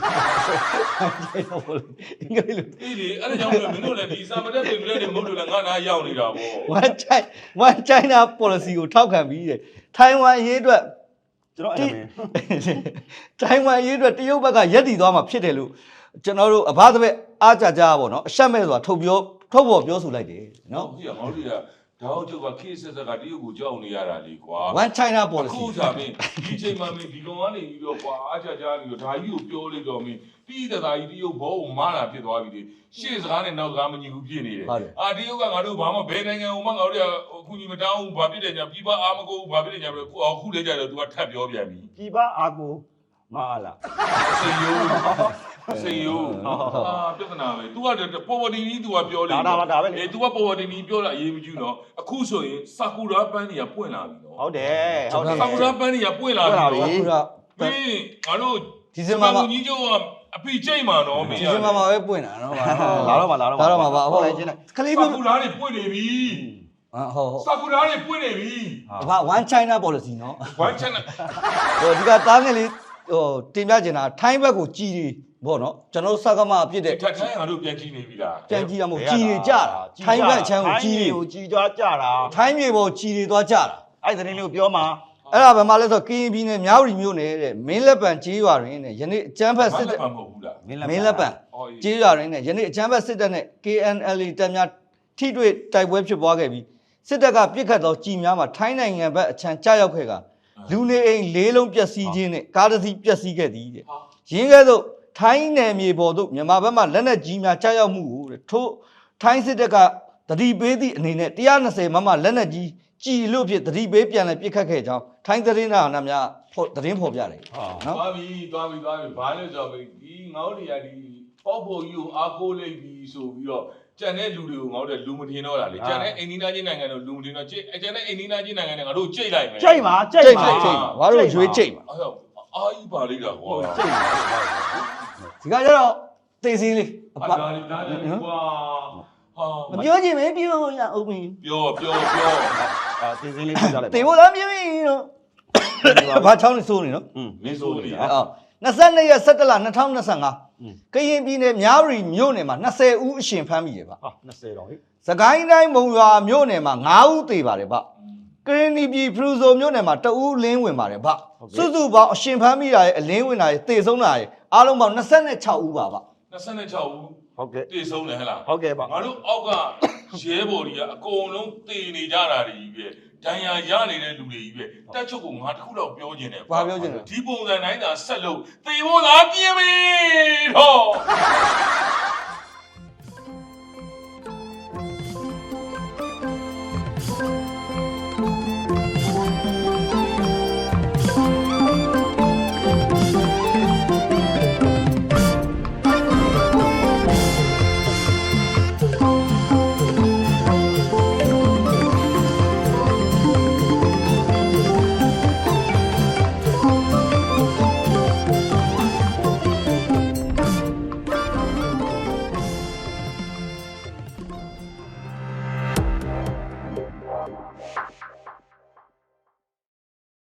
[SPEAKER 3] အင်္ဂလိပ်လို
[SPEAKER 2] အေးလေအဲ့ဒါကြောင့်မင်းတို့လည်းဒီစာမတက်ပြင်ပြတဲ့မဟုတ်လို့လည်းငါနာရောက်နေတာပေါ့
[SPEAKER 3] one China one China policy ကိုထောက်ခံပြီးတဲ့ထိုင်ဝမ်ရေးအတွက်
[SPEAKER 1] ကျွန်တော်အဲ့ဒါပဲ
[SPEAKER 3] ထိုင်ဝမ်ရေးအတွက်တရုတ်ဘက်ကရက်တည်သွားမှာဖြစ်တယ်လို့ကျွန်တော်တို့အဘသဘက်အားကြကြပါတော့အရှက်မဲ့ဆိုတာထုတ်ပြောထုတ်ပေါ်ပြောဆိုလိုက်တယ်နော်
[SPEAKER 2] ဟုတ်ပြီငါတို့ကဒါဟုတ်ကျုပ်ကခေတ်ဆက်ဆက်ကတရုတ်ကိုကြောက်နေရတာလေကွာ
[SPEAKER 3] one China
[SPEAKER 2] အခု
[SPEAKER 3] policy
[SPEAKER 2] သာမင်းဒီချိန်မှာမင်းဒီကောင်ကနေပြီးတော့ကွာအားချာချာပြီးတော့ဒါကြီးကိုပြောလိုက်တော့မင်းပြီးတဲ့သားကြီးတရုတ်ဘောကိုမာတာဖြစ်သွားပြီလေရှေ့စကားနဲ့နောက်စကားမညီဘူးဖြစ်နေတယ်အာတရုတ်ကငါတို့ဘာမှဘယ်နိုင်ငံကိုမှငါတို့အခုညီမတောင်းဘူးဘာဖြစ်တယ်ညာပြပအားမကိုဘာဖြစ်တယ်ညာပြီးတော့အခုလည်းကြတော့ तू ကထပ်ပြောပြန်ပြီ
[SPEAKER 1] ပြည်ပအာကိုမအားလား
[SPEAKER 2] စေယိုစေယိုအာပြဿနာပဲ तू ကပေါ်ပေါ်တင်ကြီး तू ကပြောလေ
[SPEAKER 1] ဒါဒါပါဒါပဲလေ
[SPEAKER 2] အေး तू ကပေါ်ပေါ်တင်ကြီးပြောလာအရေးမကြီးနော်အခုဆိုရင်ဆာကူရာပန်းတွေကပွင့်လာပြီနော်
[SPEAKER 1] ဟုတ်တယ်ဟုတ်တယ်
[SPEAKER 2] ဆာကူရာပန်းတွေကပွင့်လာပြီ
[SPEAKER 3] အခုက
[SPEAKER 2] မင်းငါတို့
[SPEAKER 3] ဒီဇင်ဘာမှာ
[SPEAKER 2] ကြီးကျုံကအပိကျိတ်မှာနော်မင်း
[SPEAKER 3] ဒီဇင်ဘာမှာပဲပွင့်တာနော်
[SPEAKER 1] လာတော့ပါလာတော့
[SPEAKER 3] လာတော့မှာပါဟုတ်
[SPEAKER 1] လိုက်ချင်းလိုက်
[SPEAKER 3] ကလေး
[SPEAKER 2] ဆာ
[SPEAKER 3] မျိုး
[SPEAKER 2] ကူရာတွေပွင့်နေပြီ
[SPEAKER 3] ဟုတ်ဟုတ်
[SPEAKER 2] ဆာကူရာတွေပွင့်နေပြီ
[SPEAKER 3] ဘာ one china policy နော်
[SPEAKER 2] ဝမ်းချန်နဲ့
[SPEAKER 3] ဟိုဒီကတားငယ်လေးဟိုတင်ပြချင်တာထိုင်းဘက်ကိုကြီးတွေပေါ့နော်ကျွန်တော်စကားမအဖြစ်တဲ့
[SPEAKER 2] ထက်ထိုင်းငါတို့ပြန်ကြည့်နေပြီလား
[SPEAKER 3] ပြန်ကြီးရမို့ကြီးတွေကြတာထိုင်းဘက်ချမ်းကိုကြီးတွေ
[SPEAKER 1] ကိုကြီးသွားကြတာ
[SPEAKER 3] ထိုင်းမြေပေါ်ကြီးတွေသွားကြတာ
[SPEAKER 1] အဲ့သတင်းလေးကိုပြောမှာ
[SPEAKER 3] အဲ့ဒါဘယ်မှာလဲဆိုကရင်ပြည်နယ်မြောက်ရီမြို့နယ်တဲ့မင်းလက်ပံကြီးရွာတွင်တဲ့ယနေ့အကျန်းဖက်စစ်တပ်
[SPEAKER 2] မဟုတ်ဘူးလား
[SPEAKER 3] မင်းလက်ပံကြီးရွာတွင်တဲ့ယနေ့အကျန်းဖက်စစ်တပ်နဲ့ K N L A တပ်များထိတွေ့တိုက်ပွဲဖြစ်ပွားခဲ့ပြီးစစ်တပ်ကပြစ်ခတ်သောကြီးများမှာထိုင်းနိုင်ငံဘက်အချမ်းကြားရောက်ခဲ့ကလူနေအိမ်လေးလုံးပျက်စီးခြင်းနဲ့ကားတစ်စီးပျက်စီးခဲ့သည်တဲ့ရင်းကဲ့သို့ထိုင်းနယ်မြေပေါ်သို့မြန်မာဘက်မှလက်နက်ကြီးများကြားရောက်မှုကိုတဲ့ထို့ထိုင်းစစ်တပ်ကတတိပေးသည့်အနေနဲ့one twentyမမလက်နက်ကြီးကြည်လို့ဖြစ်တတိပေးပြန်လဲပြစ်ခတ်ခဲ့ကြောင်းထိုင်းသတင်းနာနာများသတင်းဖော်ပြတယ်နော်
[SPEAKER 2] သွားပြီသွားပြီသွားပြီဘာလဲဆိုတော့ဒီငေါတွေကဒီပေါ့ဖို့ကြီးကိုအားကိုးလိုက်ပြီဆိုပြီးတော့ကျန်တဲ့လူတွေကိုငေါတဲ့လူမထင်တော့တာလေကျန်တဲ့အိန္ဒိယချင်းနိုင်ငံတို့လူမထင်တော့ကျကျန်တဲ့အိန္ဒိယချင်းနိုင်ငံတွေငါတို့ကြိတ်လိုက်မယ်
[SPEAKER 1] ကြိတ်ပါကြိတ်
[SPEAKER 3] ကြိတ်
[SPEAKER 1] ပါ
[SPEAKER 3] ကြိတ်ဘာလို့ရွေးကြိတ်မှာ
[SPEAKER 2] အဲ့တော့အာကြီးပါလိမ့်တာကွာ
[SPEAKER 1] ကြိတ်ပါ
[SPEAKER 3] ဒီကကျတော့သိစင်းလေးအ
[SPEAKER 2] အာ
[SPEAKER 3] ပ
[SPEAKER 2] ဒါလေးဒါလေးကွာဟာ
[SPEAKER 3] မပြောချင်ပဲပြောရအောင်မင်း
[SPEAKER 2] ပြောပြောပြော
[SPEAKER 1] အာတင်စင်းလေးပြကြလိုက်
[SPEAKER 3] တေဖို့သားပြင်းပြင်းတော့ဘာချောင်းနေစိုးနေနော်
[SPEAKER 1] อืม
[SPEAKER 2] မင်းဆိုနေရ
[SPEAKER 3] အော်22ရက်17လ2025ကရင်ပြည်နယ်မြဝတီမြို့နယ်မှာ20ဦးအရှင်ဖမ်းမိတယ်ဗျ
[SPEAKER 1] ဟာ20တော့ဟိ
[SPEAKER 3] စကိုင်းတိုင်းမုံရွာမြို့နယ်မှာ9ဦးသေပါတယ်ဗျကရင်ပြည်ဖရူဆိုမြို့နယ်မှာ2ဦးလင်းဝင်ပါတယ်ဗျစုစုပေါင်းအရှင်ဖမ်းမိတာရဲ့အလင်းဝင်တာရဲ့သေဆုံးတာရဲ့အားလုံးပေါင်း26ဦးပါဗျ
[SPEAKER 2] 26ဦး
[SPEAKER 1] ဟုတ်ကဲ့
[SPEAKER 2] တည်ဆုံးတယ်ဟဲ့လား
[SPEAKER 1] ဟုတ်ကဲ့ပါ
[SPEAKER 2] ငါတို့အောက်ကရဲဘော်တွေကအကုန်လုံးတည်နေကြတာတွေကြီးပဲဒဏ်ရာရနေတဲ့လူတွေကြီးပဲတက်ချုပ်ကငါတစ်ခုတော့ပြောခြင်းတယ်
[SPEAKER 3] ဘာပြောချင်လဲ
[SPEAKER 2] ဒီပုံစံတိုင်းသာဆက်လို့သေဖို့လားပြင်းပြီတော့